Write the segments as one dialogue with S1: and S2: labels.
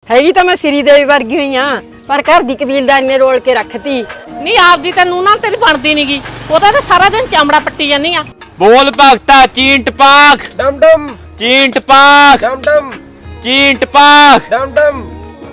S1: ਹੈਗੀ ਤਾਂ ਮੈਂ ਸ੍ਰੀ ਦੇਵੀ ਵਰਗੀ ਹੋਈ ਆ, ਪਰ ਘਰ ਦੀ ਕਬੀਲਦਾਰੀ ਨੇ ਰੋਲ ਕੇ ਰੱਖਤੀ।
S2: ਨਹੀਂ ਆਪਦੀ ਤੈਨੂੰ ਨਾਲ ਤੇਰੀ ਬਣਦੀ ਨਹੀਂਗੀ, ਉਹਦਾ ਤਾਂ ਸਾਰਾ ਦਿਨ ਚਮੜਾ ਪੱਟੀ ਜਾਂਦੀ ਆ।
S3: ਬੋਲ ਭਗਤਾ ਚੀਂਟ ਪਾਕ
S4: ਡਮ ਡਮ
S3: ਚੀਂਟ ਪਾਕ
S4: ਡਮ ਡਮ
S3: ਚੀਂਟ ਪਾਕ।
S4: ਡਮ ਡਮ।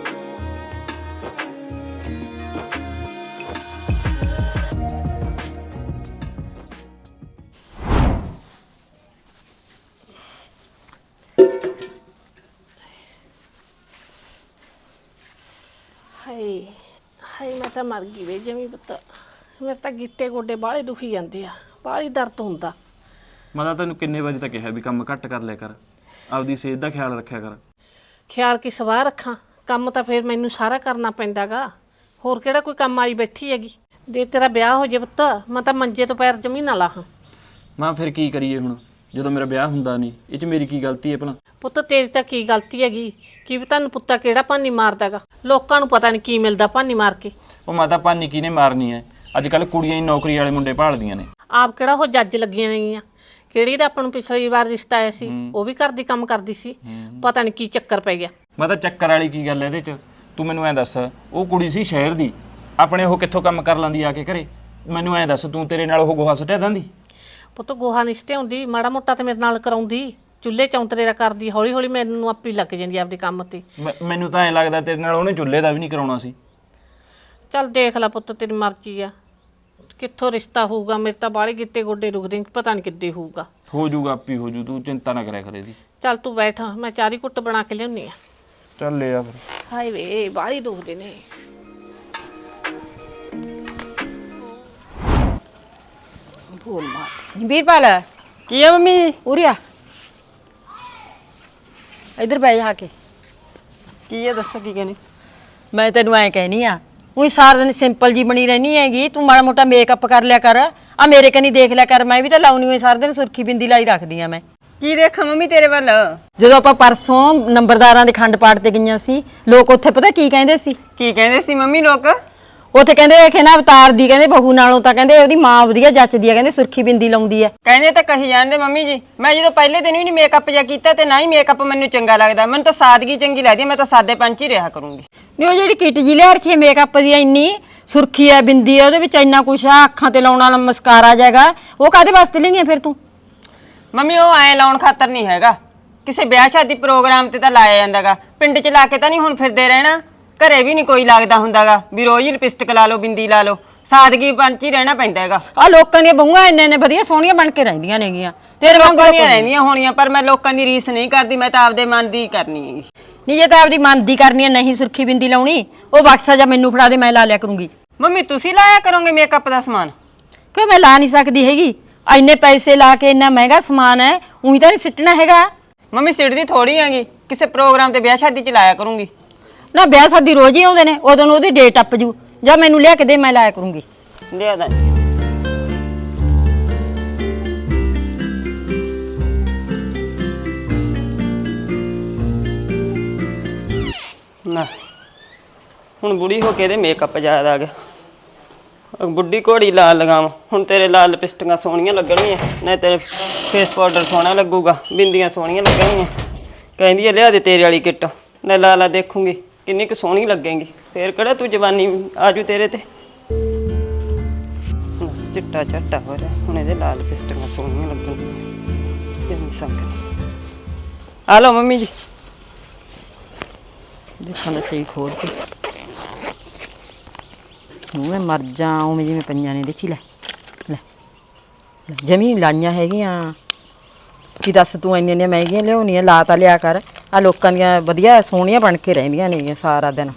S2: ਹਾਏ ਹਾਏ ਮੈਂ ਤਾਂ ਮਰ ਗਈ ਵੇ ਜਮੀ ਪੁੱਤ, ਮੇਰੇ ਤਾਂ ਗਿੱਟੇ ਗੋਡੇ ਬਾਹਲੇ ਦੁਖੀ ਜਾਂਦੇ ਆ, ਬਾਹਲੀ ਦਰਦ ਹੁੰਦਾ।
S3: ਮੈਂ ਤਾਂ ਤੈਨੂੰ ਕਿੰਨੇ ਵਾਰੀ ਤਾਂ ਕਿਹਾ ਵੀ ਕੰਮ ਘੱਟ ਕਰ ਲਿਆ ਕਰ, ਆਪਦੀ ਸਿਹਤ ਦਾ ਖਿਆਲ ਰੱਖਿਆ ਕਰ।
S2: ਖਿਆਲ ਕੀ ਸਵਾਹ ਰੱਖਾਂ, ਕੰਮ ਤਾਂ ਫਿਰ ਮੈਨੂੰ ਸਾਰਾ ਕਰਨਾ ਪੈਂਦਾਗਾ, ਹੋਰ ਕਿਹੜਾ ਕੋਈ ਕੰਮ ਆਈ ਬੈਠੀ ਹੈਗੀ। ਦੇ ਤੇਰਾ ਵਿਆਹ ਹੋ ਜੇ ਪੁੱਤ, ਮੈਂ ਤਾਂ ਮੰਜੇ ਤੋਂ ਪੈਰ ਜਮੀ ਨਾ ਲਾਹਾਂ।
S3: ਮੈਂ ਫਿਰ ਕੀ ਕਰੀਏ ਹੁਣ, ਜਦੋਂ ਮੇਰਾ ਵਿਆਹ ਹੁੰਦਾ ਨਹੀਂ, ਇਹ 'ਚ ਮੇਰੀ ਕੀ ਗਲਤੀ ਹੈ ਭਲਾ?
S2: ਪੁੱਤ ਤੇਰੀ ਤਾਂ ਕੀ ਗਲਤੀ ਹੈਗੀ, ਕੀ ਤੁਹਾਨੂੰ ਪੁੱਤਾ ਕਿਹੜਾ ਭਾਨੀ ਮਾਰਦਾਗਾ, ਲੋਕਾਂ ਨੂੰ ਪਤਾ ਨਹੀਂ ਕੀ ਮਿਲਦਾ ਭਾਨੀ ਮਾਰ ਕੇ।
S3: ਉਹ ਮਾਤਾ ਭਾਨੀ ਕਿਹਨੇ ਮਾਰਨੀ ਹੈ, ਅੱਜ ਕੱਲ ਕੁੜੀਆਂ ਹੀ ਨੌਕਰੀ ਵਾਲੇ ਮੁੰਡੇ ਭਾਲਦੀਆਂ ਨੇ।
S2: ਆਪ ਕਿਹੜਾ ਉਹ ਜੱਜ ਲੱਗੀਆਂ ਨੇਗੀਆਂ, ਕਿਹੜੀ ਦਾ ਆਪਾਂ ਨੂੰ ਪਿਛਲੀ ਵਾਰ ਰਿਸ਼ਤਾ ਆਇਆ ਸੀ, ਉਹ ਵੀ ਘਰ ਦੀ ਕੰਮ ਕਰਦੀ ਸੀ, ਪਤਾ ਨਹੀਂ ਕੀ ਚੱਕਰ ਪੈ ਗਿਆ।
S3: ਮੈਂ ਤਾਂ ਚੱਕਰ ਵਾਲੀ ਕੀ ਗੱਲ ਇਹਦੇ 'ਚ, ਤੂੰ ਮੈਨੂੰ ਐਂ ਦੱਸ, ਉਹ ਕੁੜੀ ਸੀ ਸ਼ਹਿਰ ਦੀ, ਆਪਣੇ ਉਹ ਕਿੱਥੋਂ ਕੰਮ ਕਰ ਲੈਂਦੀ ਆ ਕੇ ਘਰੇ? ਮੈਨੂੰ ਐਂ ਦੱਸ, ਤੂੰ ਤੇਰੇ ਨਾਲ ਉਹ ਗੋਹਾ ਸੁੱਟਿਆ ਦਿੰਦੀ?
S2: ਪੁੱਤ ਗੋਹਾ ਨਹੀਂ ਸਟਿਆਉਂਦੀ, ਮਾੜਾ ਮੋਟਾ ਤੇ ਮੇਰੇ ਨਾਲ ਕਰਾਉਂਦੀ, ਚੁੱਲ੍ਹੇ ਚੌਂਤਰੇ ਦਾ ਕਰਦੀ, ਹੌਲੀ ਹੌਲੀ ਮੈਨੂੰ ਆਪੇ ਲੱਗ ਜਾਂਦੀ ਆਪਦੇ ਕੰਮ ਤੇ।
S3: ਮੈਨੂੰ ਤਾਂ ਐਂ ਲੱਗਦਾ ਤੇਰੇ ਨਾਲ ਉਹਨੇ ਚੁੱਲ੍ਹੇ ਦਾ ਵੀ ਨਹੀਂ ਕਰਾਉਣਾ ਸੀ।
S2: ਚੱਲ ਦੇਖ ਲੈ ਪੁੱਤ, ਤੇਰੀ ਮਰਜ਼ੀ ਆ, ਕਿੱਥੋਂ ਰਿਸ਼ਤਾ ਹੋਊਗਾ। ਮੇਰੇ ਤਾਂ ਬਾਹਲੇ ਗਿੱਟੇ ਗੋਡੇ ਰੁਕਦੇ, ਪਤਾ ਨਹੀਂ ਕਿੱਦੇ ਹੋਊਗਾ।
S3: ਹੋ ਜੂਗਾ, ਆਪੀ ਹੋ ਜੂ, ਤੂੰ ਚਿੰਤਾ ਨਾ ਕਰਿਆ ਕਰੇ ਦੀ।
S2: ਚੱਲ ਤੂੰ ਬੈਠ, ਮੈਂ ਚਾਰੀ ਕੁੱਟ ਬਣਾ ਕੇ ਲਿਆਉਣੀ ਆ।
S3: ਚੱਲ ਲੈ ਆ ਫਿਰ।
S2: ਹਾਏ ਵੇ ਬਾਹਲੀ ਦੁਖਦੇ ਨੇ।
S1: ਬੋਲ ਮਾਰ ਵੀਰਪਾਲ,
S4: ਕੀ ਹੈ ਮੰਮੀ ਜੀ?
S1: ਉਰੇ ਆ, ਇੱਧਰ ਬਹਿ ਜਾ ਕੇ।
S4: ਕੀ ਹੈ ਦੱਸੋ, ਕੀ ਕਹਿੰਦੇ?
S1: ਮੈਂ ਤੈਨੂੰ ਐਂ ਕਹਿਨੀ ਆ, ਉਹੀ ਸਾਰਾ ਦਿਨ ਸਿੰਪਲ ਜੀ ਬਣੀ ਰਹਿਣੀ ਹੈਗੀ, ਤੂੰ ਮਾੜਾ ਮੋਟਾ ਮੇਕਅਪ ਕਰ ਲਿਆ ਕਰ, ਆ ਮੇਰੇ ਕਨੀ ਦੇਖ ਲਿਆ ਕਰ, ਮੈਂ ਵੀ ਤਾਂ ਲਾਉਣੀ ਹੋਈ ਸਾਰਾ ਦਿਨ ਸੁਰਖੀ ਬਿੰਦੀ ਲਾਈ ਰੱਖਦੀ ਆ ਮੈਂ।
S4: ਕੀ ਦੇਖਾਂ ਮੰਮੀ ਤੇਰੇ ਵੱਲ?
S1: ਜਦੋਂ ਆਪਾਂ ਪਰਸੋਂ ਨੰਬਰਦਾਰਾਂ ਦੇ ਖੰਡ ਪਾਠ ਤੇ ਗਈਆਂ ਸੀ, ਲੋਕ ਉੱਥੇ ਪਤਾ ਕੀ ਕਹਿੰਦੇ ਸੀ?
S4: ਕੀ ਕਹਿੰਦੇ ਸੀ ਮੰਮੀ ਲੋਕ?
S1: ਉੱਥੇ ਕਹਿੰਦੇ ਕਿ ਨਾ ਅਵਤਾਰ ਦੀ ਕਹਿੰਦੇ ਬਹੂ ਨਾਲੋਂ ਤਾਂ ਕਹਿੰਦੇ ਉਹਦੀ ਮਾਂ ਵਧੀਆ ਜੱਚਦੀ ਆ, ਕਹਿੰਦੇ ਸੁਰਖੀ ਬਿੰਦੀ ਲਾਉਂਦੀ ਆ।
S4: ਕਹਿੰਦੇ ਤਾਂ ਕਹੀ ਜਾਂਦੇ ਮੰਮੀ ਜੀ, ਮੈਂ ਜਦੋਂ ਪਹਿਲੇ ਦਿਨ ਵੀ ਨਹੀਂ ਮੇਕਅਪ ਜਿਹਾ ਕੀਤਾ ਤੇ ਨਾ ਹੀ ਮੇਕਅਪ ਮੈਨੂੰ ਚੰਗਾ ਲੱਗਦਾ, ਮੈਨੂੰ ਤਾਂ ਸਾਦਗੀ ਚੰਗੀ ਲੱਗਦੀ, ਮੈਂ ਤਾਂ ਸਾਦੇ ਪੰਚ ਹੀ ਰਿਹਾ ਕਰੂੰਗੀ।
S1: ਨਹੀਂ ਉਹ ਜਿਹੜੀ ਕਿਟ ਜੀ ਲਿਆ ਰੱਖੀ ਮੇਕਅਪ ਦੀ, ਇੰਨੀ ਸੁਰਖੀ ਆ ਬਿੰਦੀ ਆ ਉਹਦੇ ਵਿੱਚ, ਇੰਨਾ ਕੁਛ ਆ, ਅੱਖਾਂ ਤੇ ਲਾਉਣ ਵਾਲਾ ਮਸਕਾਰਾ ਜਾਏਗਾ, ਉਹ ਕਾਹਦੇ ਵਾਸਤੇ ਲਈਆਂ ਫਿਰ ਤੂੰ?
S4: ਮੰਮੀ ਉਹ ਐ ਲਾਉਣ ਖਾਤਰ ਨਹੀਂ ਹੈਗਾ, ਕਿਸੇ ਵਿਆਹ ਸ਼ਾਦੀ ਪ੍ਰੋਗਰਾਮ ਤੇ ਤਾਂ ਲਾਇਆ ਜਾਂਦਾਗਾ, ਪਿੰਡ 'ਚ ਲਾ ਕੇ ਤਾਂ ਨਹੀਂ ਹੁਣ ਫਿਰਦੇ ਰਹਿਣਾ, ਘਰੇ ਵੀ ਨਹੀਂ ਕੋਈ ਲੱਗਦਾ ਹੁੰਦਾਗਾ ਵੀ ਰੋਜ਼ ਹੀ ਲਿਪਸਟਿਕ ਲਾ ਲਓ, ਬਿੰਦੀ ਲਾ ਲਓ, ਸਾਦਗੀ ਪੰਚ ਹੀ ਰਹਿਣਾ ਪੈਂਦਾ ਹੈਗਾ।
S1: ਆ ਲੋਕਾਂ ਦੀਆਂ ਬਹੂਆਂ ਇੰਨੇ ਵਧੀਆ ਸੋਹਣੀਆਂ ਬਣ ਕੇ ਰਹਿੰਦੀਆਂ ਨੇਗੀਆਂ, ਤੇਰੇ ਵਾਂਗੂ
S4: ਲੋਕਾਂ ਦੀਆਂ ਰਹਿੰਦੀਆਂ ਹੋਣੀਆਂ, ਪਰ ਮੈਂ ਲੋਕਾਂ ਦੀ ਰੀਸ ਨਹੀਂ ਕਰਦੀ, ਮੈਂ ਤਾਂ ਆਪਦੇ ਮਨ ਦੀ ਕਰਨੀ ਹੈਗੀ।
S1: ਨਹੀਂ ਜੇ ਤਾਂ ਆਪਦੀ ਮਨ ਦੀ ਕਰਨੀ ਹੈ, ਨਹੀਂ ਸੁਰਖੀ ਬਿੰਦੀ ਲਾਉਣੀ, ਉਹ ਬਕਸਾ ਜਾਂ ਮੈਨੂੰ ਫੜਾ ਦੇ, ਮੈਂ ਲਾ ਲਿਆ ਕਰੂੰਗੀ।
S4: ਮੰਮੀ ਤੁਸੀਂ ਲਾਇਆ ਕਰੋਗੇ ਮੇਕਅਪ ਦਾ ਸਮਾਨ?
S1: ਕਿਉਂ ਮੈਂ ਲਾ ਨਹੀਂ ਸਕਦੀ ਹੈਗੀ, ਇੰਨੇ ਪੈਸੇ ਲਾ ਕੇ ਇੰਨਾ ਮਹਿੰਗਾ ਸਮਾਨ ਹੈ, ਉਹੀ ਤਾਂ ਨਹੀਂ ਸਿੱਟਣਾ ਹੈਗਾ।
S4: ਮੰਮੀ ਸਿੱਟਦੀ ਥੋੜੀ ਹੈਗੀ, ਕਿਸੇ ਪ੍ਰੋਗਰਾਮ ਤੇ ਵਿਆਹ ਸ਼ਾਦੀ 'ਚ ਲਾਇਆ ਕਰੂੰਗੀ।
S1: ਨਾ ਵਿਆਹ ਸ਼ਾਦੀ ਰੋਜ਼ ਹੀ ਆਉਂਦੇ ਨੇ, ਉਦੋਂ ਨੂੰ ਉਹਦੀ ਡੇਟ ਟੱਪ ਜੂ, ਜਾਂ ਮੈਨੂੰ ਲਿਆ ਕੇ ਦੇ, ਮੈਂ ਲਾਇਆ ਕਰੂੰਗੀ।
S4: ਲਿਆ ਦਾ ਨਾ, ਹੁਣ ਬੁੜੀ ਹੋ ਕੇ ਇਹਦੇ ਮੇਕਅਪ ਜ਼ਿਆਦਾ ਆ ਗਿਆ। ਬੁੱਢੀ ਘੋੜੀ ਲਾਲ ਲਗਾਵਾਂ, ਹੁਣ ਤੇਰੇ ਲਾਲ ਲਿਪਸਟਿਕਾਂ ਸੋਹਣੀਆਂ ਲੱਗਣਗੀਆਂ, ਨਹੀਂ ਤੇਰੇ ਫੇਸ ਪਾਊਡਰ ਸੋਹਣਾ ਲੱਗੂਗਾ, ਬਿੰਦੀਆਂ ਸੋਹਣੀਆਂ ਲੱਗਣਗੀਆਂ। ਕਹਿੰਦੀ ਹੈ ਲਿਆ ਦੇ ਤੇਰੇ ਵਾਲੀ ਕਿੱਟ, ਮੈਂ ਲਾ ਲਾ ਦੇਖੂੰਗੀ ਕਿੰਨੀ ਕੁ ਸੋਹਣੀ ਲੱਗੇਗੀ, ਫੇਰ ਕਿਹੜਾ ਤੂੰ ਜਵਾਨੀ ਆਜੂ ਤੇਰੇ ਤੇ। ਚਿੱਟਾ ਚੱਟਾ ਹੋ ਰਿਹਾ, ਹੁਣ ਇਹਦੇ ਲਾਲ ਲਿਪਸਟਿਕਾਂ ਸੋਹਣੀਆਂ ਲੱਗਣਗੀਆਂ। ਜੰਮੀ ਸੰਕਣੀ ਆ ਲਓ ਮੰਮੀ ਜੀ,
S1: ਦੇਖਾਂ ਤਾਂ ਸਹੀ ਖੋਲ ਕੇ, ਮੈਂ ਮਰ ਜਾ, ਉਵੇਂ ਜਿਵੇਂ ਪਈਆਂ ਨੇ, ਦੇਖੀ ਲੈ ਲੈ ਲੈ, ਜਮੀ ਲਾਈਆਂ ਹੈਗੀਆਂ। ਕੀ ਦੱਸ ਤੂੰ ਇੰਨੀਆਂ ਮਹਿੰਗੀਆਂ ਲਿਆਉਣੀਆਂ, ਲਾ ਤਾਂ ਲਿਆ ਕਰ, ਆ ਲੋਕਾਂ ਦੀਆਂ ਵਧੀਆ ਸੋਹਣੀਆਂ ਬਣ ਕੇ ਰਹਿੰਦੀਆਂ ਨੇ ਸਾਰਾ ਦਿਨ।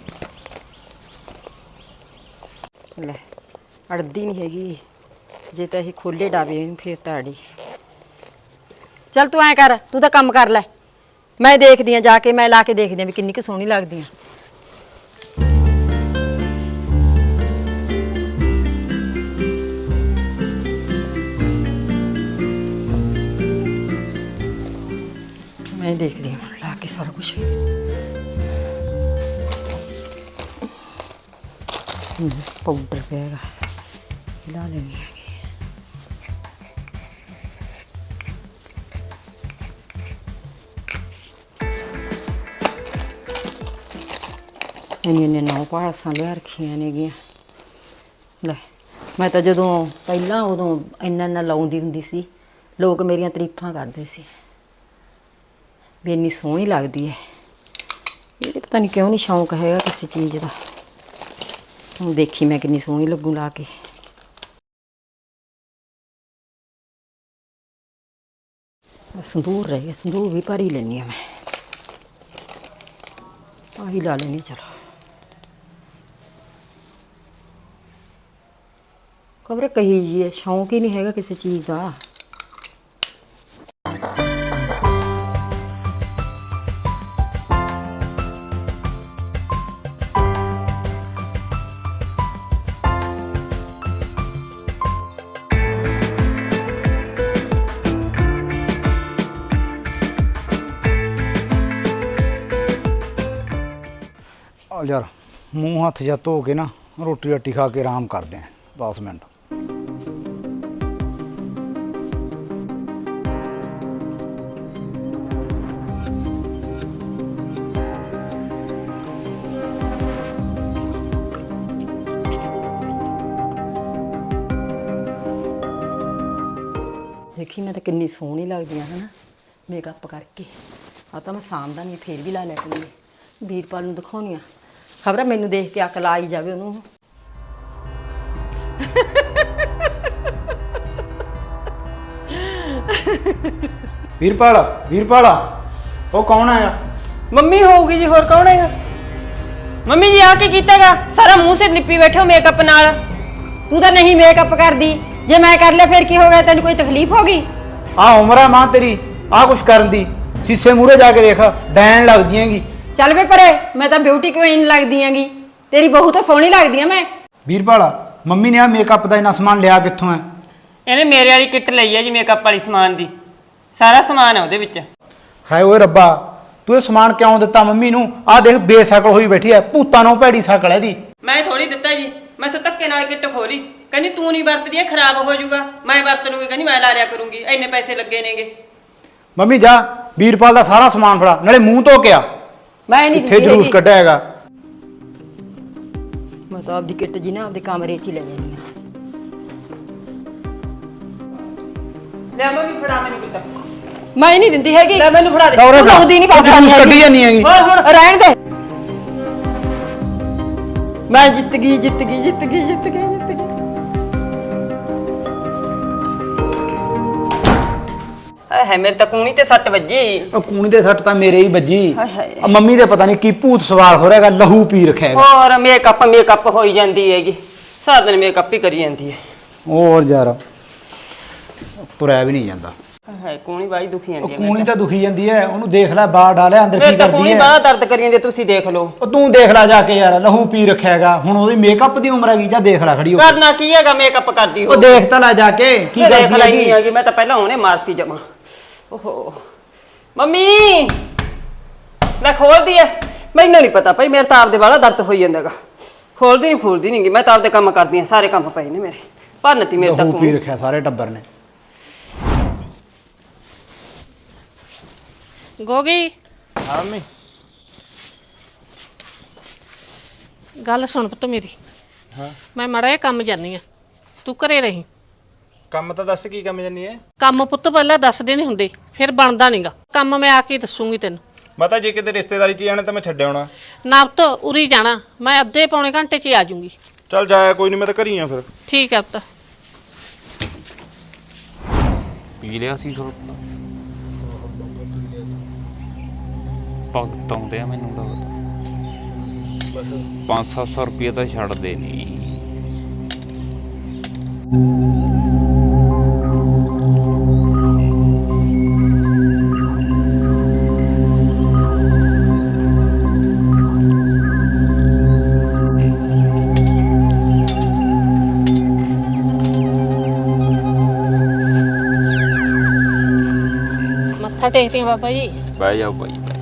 S1: ਲੈ ਅੜਦੀ ਨਹੀਂ ਹੈਗੀ, ਜੇ ਤਾਂ ਇਹ ਖੋਲੇ ਡਾਵੇ ਫੇਰ ਤਾਂ ਅੜੀ। ਚੱਲ ਤੂੰ ਐਂ ਕਰ, ਤੂੰ ਤਾਂ ਕੰਮ ਕਰ ਲੈ, ਮੈਂ ਦੇਖਦੀ ਆ ਜਾ ਕੇ, ਮੈਂ ਲਾ ਕੇ ਦੇਖਦੀ ਆ ਵੀ ਕਿੰਨੀ ਕੁ ਸੋਹਣੀ ਲੱਗਦੀ ਆ। ਮੈਂ ਦੇਖਦੀ ਹਾਂ ਲਾ ਕੇ ਸਾਰਾ ਕੁਝ। ਪਾਊਡਰ ਪਿਆਗਾ, ਲਾ ਲੈਣੀ ਹੈਗੀ। ਇੰਨੀਆਂ ਨੌ ਪਾਲਸਾਂ ਲਿਆ ਰੱਖੀਆਂ ਨੇਗੀਆਂ। ਲੈ ਮੈਂ ਤਾਂ ਜਦੋਂ ਪਹਿਲਾਂ ਉਦੋਂ ਇੰਨਾ ਲਾਉਂਦੀ ਹੁੰਦੀ ਸੀ, ਲੋਕ ਮੇਰੀਆਂ ਤਾਰੀਫਾਂ ਕਰਦੇ ਸੀ ਵੀ ਇੰਨੀ ਸੋਹਣੀ ਲੱਗਦੀ ਹੈ। ਇਹ ਪਤਾ ਨਹੀਂ ਕਿਉਂ ਨਹੀਂ ਸ਼ੌਂਕ ਹੈਗਾ ਕਿਸੇ ਚੀਜ਼ ਦਾ। ਹੁਣ ਦੇਖੀ ਮੈਂ ਕਿੰਨੀ ਸੋਹਣੀ ਲੱਗੂ ਲਾ ਕੇ। ਸੰਦੂਰ ਰਹਿ ਗਿਆ, ਸੰਦੂਰ ਵੀ ਭਰ ਹੀ ਲੈਂਦੀ ਹਾਂ ਮੈਂ। ਆਹੀ ਲਾ ਲੈਣੀ ਚਲੋ। ਖਬਰ ਕਹੀ ਜੀ ਹੈ, ਸ਼ੌਂਕ ਹੀ ਨਹੀਂ ਹੈਗਾ ਕਿਸੇ ਚੀਜ਼ ਦਾ।
S5: ਆ ਯਾਰ ਮੂੰਹ ਹੱਥ ਜਾ ਧੋ ਕੇ ਨਾ ਰੋਟੀ ਰੱਟੀ ਖਾ ਕੇ ਆਰਾਮ ਕਰਦੇ ਆਂ 10 ਮਿੰਟ।
S1: ਦੇਖੀ ਮੈਂ ਤਾਂ ਕਿੰਨੀ ਸੋਹਣੀ ਲੱਗਦੀ ਆ ਹਨਾ ਮੇਕਅਪ ਕਰਕੇ। ਆ ਤਾਂ ਮੈਂ ਸਾਂਭਦਾ ਨਹੀਂ, ਫੇਰ ਵੀ ਲਾ ਲਿਆ ਕਰੀ। ਵੀਰਪਾਲ ਨੂੰ ਦਿਖਾਉਣੀ ਆ, ਖਬਰ ਮੈਨੂੰ ਦੇਖ ਕੇ ਅਕਲ ਆਈ ਜਾਵੇ ਉਹਨੂੰ।
S5: ਵੀਰਪਾਲ ਵੀਰਪਾਲ ਉਹ ਕੌਣ ਆਇਆ?
S4: ਮੰਮੀ ਹੋਊਗੀ ਜੀ, ਹੋਰ ਕੌਣ ਹੈਗਾ? ਮੰਮੀ ਜੀ ਆ ਕੀ ਕੀਤਾਗਾ? ਸਾਰਾ ਮੂੰਹ ਸਿਰ ਨਿੱਪੀ ਬੈਠੇ ਹੋ ਮੇਕਅਪ ਨਾਲ।
S1: ਤੂੰ ਤਾਂ ਨਹੀਂ ਮੇਕਅਪ ਕਰਦੀ, ਜੇ ਮੈਂ ਕਰ ਲਿਆ ਫਿਰ ਕੀ ਹੋ ਗਿਆ? ਤੈਨੂੰ ਕੋਈ ਤਕਲੀਫ ਹੋ ਗਈ?
S5: ਆ ਉਮਰ ਆ ਮਾਂ ਤੇਰੀ ਆ ਕੁਛ ਕਰਨ ਦੀ। ਸੀਸੇ ਮੂਹਰੇ ਜਾ ਕੇ ਦੇਖ, ਡੈਣ ਲੱਗਦੀ ਹੈਗੀ।
S1: ਚੱਲ ਵੇ ਪਰੇ, ਮੈਂ ਤਾਂ ਬਿਊਟੀ ਕੁਈਨ ਲੱਗਦੀ ਆਂਗੀ। ਤੇਰੀ ਬਹੂ ਤਾਂ ਸੋਹਣੀ ਲੱਗਦੀ ਆ ਮੈਂ।
S5: ਵੀਰਪਾਲ ਮੰਮੀ ਨੇ ਆ ਮੇਕਅਪ ਦਾ ਇੰਨਾ ਸਮਾਨ ਲਿਆ ਕਿੱਥੋਂ ਹੈ?
S4: ਇਹਨੇ ਮੇਰੇ ਵਾਲੀ ਕਿੱਟ ਲਈ ਹੈ ਜੀ ਮੇਕਅਪ ਵਾਲੀ ਸਮਾਨ ਦੀ। ਸਾਰਾ ਸਮਾਨ ਹੈ ਉਹਦੇ ਵਿੱਚ।
S5: ਹਾਏ ਓਏ ਰੱਬਾ, ਤੂੰ ਇਹ ਸਮਾਨ ਕਿਉਂ ਦਿੱਤਾ ਮੰਮੀ ਨੂੰ? ਆ ਦੇਖ ਬੇਸ਼ਕਲ ਹੋਈ ਬੈਠੀ ਐ, ਭੂਤਾਂ ਨੂੰ ਭੈੜੀ ਸ਼ਕਲ ਇਹਦੀ।
S4: ਮੈਂ ਥੋੜੀ ਦਿੱਤਾ ਜੀ, ਮੈਂ ਤਾਂ ਧੱਕੇ ਨਾਲ ਕਿੱਟ ਖੋਲੀ। ਕਹਿੰਦੀ ਤੂੰ ਨਹੀਂ ਵਰਤਦੀ, ਇਹ ਖਰਾਬ ਹੋ ਜਾਊਗਾ। ਮੈਂ ਵਰਤ ਲੂੰਗੀ, ਕਹਿੰਦੀ ਮੈਂ ਲਾ ਲਿਆ ਕਰੂੰਗੀ, ਇੰਨੇ ਪੈਸੇ ਲੱਗੇ ਨੇਗੇ।
S5: ਮੰਮੀ ਜਾ ਵੀਰਪਾਲ ਦਾ ਸਾਰਾ ਸਮਾਨ ਫੜਾ, ਨਾਲੇ ਮੂੰਹ ਧੋ ਕੇ ਆ।
S1: ਮੈਂ ਨਹੀਂ
S5: ਇੱਥੇ ਜਲੂਸ ਕੱਢਿਆ ਹੈਗਾ।
S1: ਮੈਂ ਤਾਂ ਆਪਦੀ ਕਿੱਟ ਜੀ ਨਾ ਆਪਦੇ ਕਮਰੇ 'ਚ ਹੀ ਲੈ ਜਾਂਦੀ ਆ।
S4: ਲੈ ਮੰਮੀ ਫੜਾ ਮੈਨੂੰ ਕਿੱਟ।
S1: ਮੈਂ ਨਹੀਂ ਦਿੰਦੀ ਹੈਗੀ।
S4: ਲੈ ਮੈਨੂੰ ਫੜਾ ਦੇ।
S1: ਤੂੰ ਲਾਉਂਦੀ ਨਹੀਂ ਪਾਸਾ ਨਹੀਂ
S5: ਕੱਢੀ ਜਾਨੀ ਹੈਗੀ।
S4: ਹੋਰ ਹੁਣ
S1: ਰਹਿਣ ਦੇ। ਮੈਂ ਜਿੱਤ ਗਈ ਜਿੱਤ ਗਈ ਜਿੱਤ ਗਈ ਜਿੱਤ ਗਈ ਜਿੱਤ ਗਈ।
S4: ਹਾਏ ਹਾਏ, ਮੇਰੇ ਤਾਂ ਕੂਣੀ ਤੇ ਸੱਟ ਵੱਜੀ।
S5: ਉਹ ਕੂਣੀ ਦੇ ਸੱਟ ਤਾਂ ਮੇਰੇ ਹੀ ਵੱਜੀ।
S4: ਹਾਏ ਹਾਏ।
S5: ਆ ਮੰਮੀ ਦੇ ਪਤਾ ਨਹੀਂ ਕੀ ਭੂਤ ਸਵਾਰ ਹੋ ਰਿਹਾਗਾ, ਲਹੂ ਪੀ ਰੱਖਿਆ ਹੈਗਾ।
S4: ਹੋਰ ਮੇਕਅਪ ਹੋਈ ਜਾਂਦੀ ਹੈਗੀ, ਸਾਰਾ ਦਿਨ ਮੇਕਅਪ ਹੀ ਕਰੀ ਜਾਂਦੀ ਹੈ।
S5: ਹੋਰ ਯਾਰ ਤੁਰਿਆ ਵੀ ਨਹੀਂ ਜਾਂਦਾ।
S4: ਹਾਏ ਕੂਣੀ ਬਾਈ ਦੁਖੀ
S5: ਉਹ
S4: ਜਾਂਦੀ ਹੈ।
S5: ਕੂਣੀ ਤਾਂ ਦੁਖੀ ਜਾਂਦੀ ਹੈ, ਉਹਨੂੰ ਦੇਖ ਲੈ ਬਾਹਰ ਡਾਲਿਆ ਅੰਦਰ
S4: ਮੇਰੇ
S5: ਕੀ
S4: ਤਾਂ
S5: ਕਰਦੀ
S4: ਕੂਣੀ
S5: ਹੈ।
S4: ਬੜਾ ਦਰਦ ਕਰੀ ਜਾਂਦੀ ਹੈ, ਤੁਸੀਂ ਦੇਖ ਲਓ।
S5: ਉਹ ਤੂੰ ਦੇਖ ਲੈ ਜਾ ਕੇ ਯਾਰ, ਲਹੂ ਪੀ ਰੱਖਿਆ ਹੈਗਾ। ਹੁਣ ਉਹਦੀ ਮੇਕਅਪ ਦੀ ਉਮਰ ਹੈਗੀ, ਜਾਂ ਦੇਖ ਲੈ ਖੜੀ ਹੋ ਕੇ।
S4: ਕਰਨਾ ਕੀ ਹੈਗਾ, ਮੇਕਅਪ ਕਰਦੀ ਹੋ।
S5: ਉਹ ਦੇਖ ਤਾਂ ਲੈ ਜਾ ਕੇ ਕੀ
S4: ਦੇਖ
S5: ਕਰਦੀ
S4: ਲਈ
S5: ਹੈਗੀ।
S4: ਹੈਗੀ, ਮੈਂ ਤਾਂ ਪਹਿਲਾਂ ਉਹਨੇ ਮਾਰਤੀ ਜਮਾ। ਓਹੋ ਮੰਮੀ ਮੈਂ ਖੋਲਦੀ ਐ। ਮੈਨੂੰ ਨਹੀਂ ਪਤਾ ਭਾਈ, ਮੇਰੇ ਤਾਂ ਆਪਦੇ ਵਾਲਾ ਦਰਦ ਹੋਈ ਜਾਂਦਾਗਾ। ਖੋਲਦੀ ਨਹੀਂ ਗੀ, ਮੈਂ ਤਾਂ ਆਪਦੇ ਕੰਮ ਕਰਦੀ ਆ। ਸਾਰੇ ਕੰਮ ਪਏ ਨੇ ਮੇਰੇ, ਭੰਨਤੀ ਮੇਰੇ ਤਾਂ
S5: ਲਹੂ ਪੀ
S4: ਕੂਣੀ।
S5: ਰੱਖਿਆ ਸਾਰੇ ਟੱਬਰ ਨੇ।
S2: ਗੋਗੀ
S3: ਹਾਂ ਮੰਮੀ।
S2: ਗੱਲ ਸੁਣ ਪੁੱਤ ਮੇਰੀ।
S3: ਹਾਂ
S2: ਮੈਂ ਮਾੜਾ ਜਿਹਾ ਕੰਮ ਜਾਨੀ ਆ, ਤੂੰ ਘਰੇ ਰਹੀਂ।
S3: ਕੰਮ ਤਾਂ ਦੱਸ ਕੀ ਕੰਮ ਜਾਨੀ ਹੈ?
S2: ਕੰਮ ਪੁੱਤ ਪਹਿਲਾਂ ਦੱਸਦੇ ਨਹੀਂ ਹੁੰਦੇ, ਫਿਰ ਬਣਦਾ ਨਹੀਂਗਾ ਕੰਮ। ਮੈਂ ਆ ਕੇ ਦੱਸੂਗੀ ਤੈਨੂੰ।
S3: ਮਤਾ ਜੇ ਕਿਤੇ ਰਿਸ਼ਤੇਦਾਰੀ 'ਚ ਜਾਣਾ ਤਾਂ ਮੈਂ ਛੱਡ ਆਉਣਾ।
S2: ਨਾ ਪੁੱਤ ਉਰੀ ਜਾਣਾ, ਮੈਂ ਅੱਧੇ ਪੌਣੇ ਘੰਟੇ 'ਚ ਹੀ ਆ ਜਾਊਂਗੀ।
S3: ਚੱਲ ਜਾਇਆ ਕੋਈ ਨਹੀਂ, ਮੈਂ ਤਾਂ ਘਰੀ ਆ ਫਿਰ।
S2: ਠੀਕ ਹੈ ਪੁੱਤ।
S6: ਪੀ ਲਿਆ ਸੀ ਥੋੜਾ ਭਗਤ ਆਉਂਦੇ ਆ ਮੈਨੂੰ ਲੱਗਦਾ। 500-700 ਰੁਪਏ ਤਾਂ ਛੱਡਦੇ ਨਹੀਂ।
S2: ਮੱਥਾ ਟੇਕਦੇ ਆ ਬਾਬਾ ਜੀ।
S6: ਬਹਿ ਜਾਓ ਭਾਈ ਬਹਿ।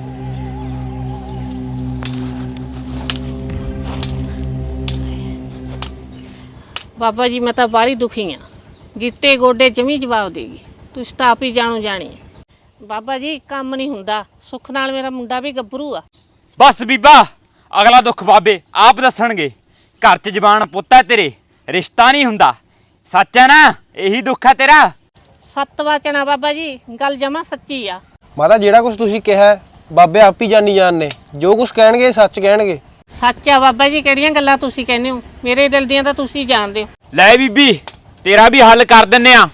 S2: ਬਾਬਾ ਜੀ ਮੈਂ ਤਾਂ ਬਾਹਲੀ ਦੁਖੀ ਆ, ਗਿੱਟੇ ਗੋਡੇ ਜਮੀ ਜਵਾਬ ਦੇਗੀ। ਤੁਸੀਂ ਤਾਂ ਆਪ ਹੀ ਜਾਣੋ ਜਾਣੀ। ਬਾਬਾ ਜੀ ਕੰਮ ਨਹੀਂ ਹੁੰਦਾ, ਸੁੱਖ ਨਾਲ ਮੇਰਾ ਮੁੰਡਾ ਵੀ ਗੱਭਰੂ ਆ।
S7: ਬਸ ਬੀਬਾ, ਅਗਲਾ ਦੁੱਖ ਬਾਬੇ ਆਪ ਦੱਸਣਗੇ। ਘਰ 'ਚ ਜ਼ਬਾਨ ਪੁੱਤ ਹੈ ਤੇਰੇ, ਰਿਸ਼ਤਾ ਨਹੀਂ ਹੁੰਦਾ। ਸੱਚ ਹੈ ਨਾ? ਇਹੀ ਦੁੱਖ ਹੈ ਤੇਰਾ।
S2: ਸੱਤ ਵਚਨ ਬਾਬਾ ਜੀ, ਗੱਲ ਜਮਾ ਸੱਚੀ ਆ।
S8: ਮਾਤਾ ਜਿਹੜਾ ਕੁਝ ਤੁਸੀਂ ਕਿਹਾ ਹੈ, ਬਾਬੇ ਆਪ ਹੀ ਜਾਣੀ ਜਾਣ ਨੇ। ਜੋ ਕੁਝ ਕਹਿਣਗੇ ਸੱਚ ਕਹਿਣਗੇ।
S2: ਸੱਚ ਆ ਬਾਬਾ ਜੀ, ਕਿਹੜੀਆਂ ਗੱਲਾਂ ਤੁਸੀਂ ਕਹਿੰਦੇ ਹੋ, ਮੇਰੇ ਦਿਲ ਦੀਆਂ ਤਾਂ ਤੁਸੀਂ ਜਾਣਦੇ ਹੋ।
S7: ਲੈ ਬੀਬੀ, ਤੇਰਾ ਵੀ ਹੱਲ ਕਰ ਦਿੰਨੇ ਆ।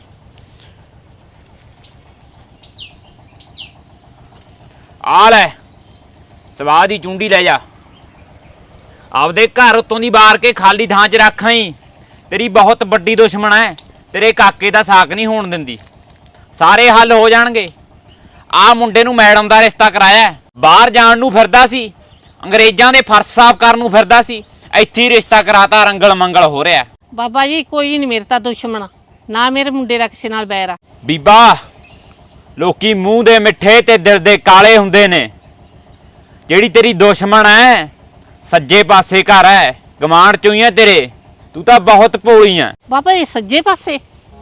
S7: ਆ ਲੈ ਸਵਾਹ ਦੀ ਚੁੰਡੀ ਲੈ ਜਾ, ਆਪਦੇ ਘਰ ਉਤੋਂ ਦੀ ਬਾਰ ਕੇ ਖਾਲੀ ਥਾਂ 'ਚ ਰੱਖ ਆਈ। ਤੇਰੀ ਬਹੁਤ ਵੱਡੀ ਦੁਸ਼ਮਣ ਹੈ, ਤੇਰੇ ਕਾਕੇ ਦਾ ਸਾਕ ਨਹੀਂ ਹੋਣ ਦਿੰਦੀ। ਸਾਰੇ ਹੱਲ ਹੋ ਜਾਣਗੇ। ਆ ਮੁੰਡੇ ਨੂੰ ਮੈਡਮ ਦਾ ਰਿਸ਼ਤਾ ਕਰਾਇਆ, ਬਾਹਰ ਜਾਣ ਨੂੰ ਫਿਰਦਾ ਸੀ, ਅੰਗਰੇਜ਼ਾਂ ਦੇ ਫਰਜ਼ ਸਾਫ਼ ਕਰਨ ਨੂੰ ਫਿਰਦਾ ਸੀ, ਇੱਥੇ ਹੀ ਰਿਸ਼ਤਾ ਕਰਾਤਾ, ਰੰਗਲ ਮੰਗਲ ਹੋ ਰਿਹਾ।
S2: ਬਾਬਾ ਜੀ ਕੋਈ ਨਹੀਂ ਮੇਰੇ ਤਾਂ ਦੁਸ਼ਮਣ, ਨਾ ਮੇਰੇ ਮੁੰਡੇ ਦਾ ਕਿਸੇ ਨਾਲ ਬੈਰ ਆ।
S7: ਬੀਬਾ, ਲੋਕੀ ਮੂੰਹ ਦੇ ਮਿੱਠੇ ਤੇ ਦਿਲ ਦੇ ਕਾਲੇ ਹੁੰਦੇ ਨੇ। ਜਿਹੜੀ ਤੇਰੀ ਦੁਸ਼ਮਣ ਹੈ ਸੱਜੇ ਪਾਸੇ ਘਰ ਹੈ, ਗਮਾਂਡ ਚੋਂ ਹੀ ਹੈ ਤੇਰੇ। ਤੂੰ ਤਾਂ ਬਹੁਤ ਭੋਲੀ ਹੈ।
S2: ਬਾਬਾ ਜੀ ਸੱਜੇ ਪਾਸੇ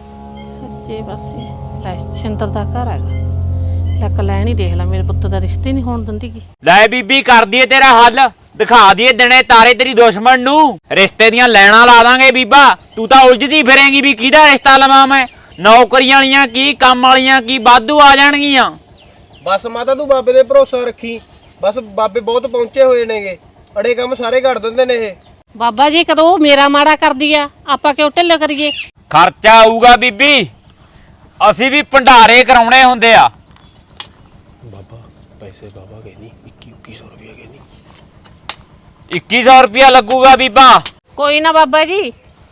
S2: ਲੈ ਸਿੰਦਰ ਦਾ ਘਰ ਹੈਗਾ। ਲੱਕ ਲੈਣ ਹੀ ਦੇਖ ਲੈ, ਮੇਰੇ ਪੁੱਤ ਦਾ ਰਿਸ਼ਤੇ ਨਹੀਂ ਹੋਣ ਦਿੰਦੀ ਗੀ।
S7: ਲੈ ਬੀਬੀ, ਕਰ ਦਈਏ ਤੇਰਾ ਹੱਲ, ਦਿਖਾ ਦਈਏ ਦਿਨੇ ਤਾਰੇ ਤੇਰੀ ਦੁਸ਼ਮਣ ਨੂੰ। ਰਿਸ਼ਤੇ ਦੀਆਂ ਲੈਣਾ ਲਾ ਦਾਂਗੇ ਬੀਬਾ। ਤੂੰ ਤਾਂ ਉਲਝਦੀ ਫਿਰੇਂਗੀ ਵੀ ਕਿਹਦਾ ਰਿਸ਼ਤਾ ਲਵਾਂ ਮੈਂ। ਨੌਕਰੀਆਂ ਵਾਲੀਆਂ ਕੀ, ਕੰਮ ਵਾਲੀਆਂ ਕੀ, ਵਾਧੂ ਆ ਜਾਣਗੀਆਂ।
S8: ਬਸ ਮਾਤਾ ਤੂੰ ਬਾਬੇ ਦੇ ਭਰੋਸਾ ਰੱਖੀ। ਬਸ ਬਾਬੇ ਬਹੁਤ ਪਹੁੰਚੇ ਹੋਏ ਨੇਗੇ, ਅੜੇ ਕੰਮ ਸਾਰੇ ਕਰ ਦਿੰਦੇ ਨੇ ਇਹ।
S2: ਬਾਬਾ ਜੀ ਕਦੋਂ ਉਹ ਮੇਰਾ ਮਾੜਾ ਕਰਦੀ ਆ, ਆਪਾਂ ਕਿਉਂ ਢਿੱਲ ਕਰੀਏ।
S7: ਖਰਚਾ ਆਊਗਾ ਬੀਬੀ, ਅਸੀਂ ਵੀ ਭੰਡਾਰੇ ਕਰਾਉਣੇ ਹੁੰਦੇ ਆ।
S8: ਬਾਬਾ ਪੈਸੇ ਬਾਬਾ ਗਏ ਨਹੀਂ, 2100 ਰੁਪਏ ਗਏ ਨਹੀਂ।
S7: 2100 ਰੁਪਇਆ ਲੱਗੂਗਾ ਬੀਬਾ।
S2: ਕੋਈ ਨਾ ਬਾਬਾ ਜੀ।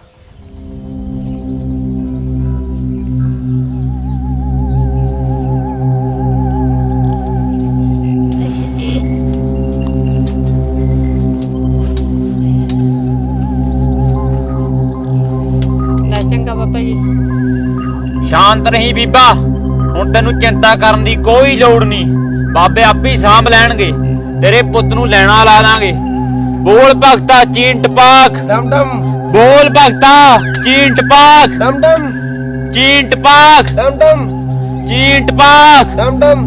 S2: ਲੈ ਚੰਗਾ ਬਾਬਾ ਜੀ।
S7: ਸ਼ਾਂਤ ਰਹੀ ਬੀਬਾ, ਹੁਣ ਤੈਨੂੰ ਚਿੰਤਾ ਕਰਨ ਦੀ ਕੋਈ ਲੋੜ ਨਹੀਂ। ਬਾਬੇ ਆਪੇ ਸਾਂਭ ਲੈਣਗੇ। ਤੇਰੇ ਪੁੱਤ ਨੂੰ ਲੈਣਾ ਲਾ ਦਾਂਗੇ। ਬੋਲ ਭਗਤਾ ਚੀਂਟ ਪਾਕ,
S8: ਡਮ ਡਮ
S7: ਬੋਲ ਭਗਤਾ ਚੀਂਟ ਪਾਕ,
S8: ਡਮ ਡਮ
S7: ਚੀਂਟ ਪਾਕ,
S8: ਡਮ ਡਮ
S7: ਚੀਂਟ ਪਾਕ।
S8: ਡਮ ਡਮ।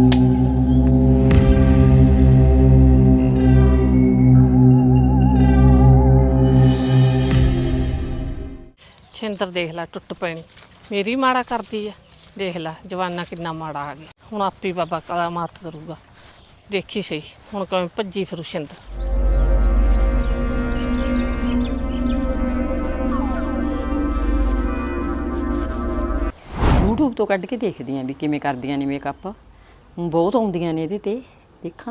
S2: ਸਿੰਦਰ ਦੇਖ ਲੈ ਟੁੱਟ ਪੈਣੀ, ਮੇਰੀ ਮਾੜਾ ਕਰਦੀ ਆ। ਦੇਖ ਲੈ ਜਵਾਨਾ ਕਿੰਨਾ ਮਾੜਾ ਆ ਗਿਆ। ਹੁਣ ਆਪੇ ਬਾਬਾ ਕਲਾ ਮਾਤ ਕਰੂਗਾ, ਦੇਖੀ ਸਹੀ ਹੁਣ ਕਿਵੇਂ ਭੱਜੀ ਫਿਰੂ ਸਿੰਦਰ।
S1: YouTube ਤੋਂ ਕੱਢ ਕੇ ਦੇਖਦੀ ਆਂ ਵੀ ਕਿਵੇਂ ਕਰਦੀਆਂ ਨੇ ਮੇਕਅਪ। ਬਹੁਤ ਆਉਂਦੀਆਂ ਨੇ ਇਹਦੇ ਤੇ, ਦੇਖਾਂ।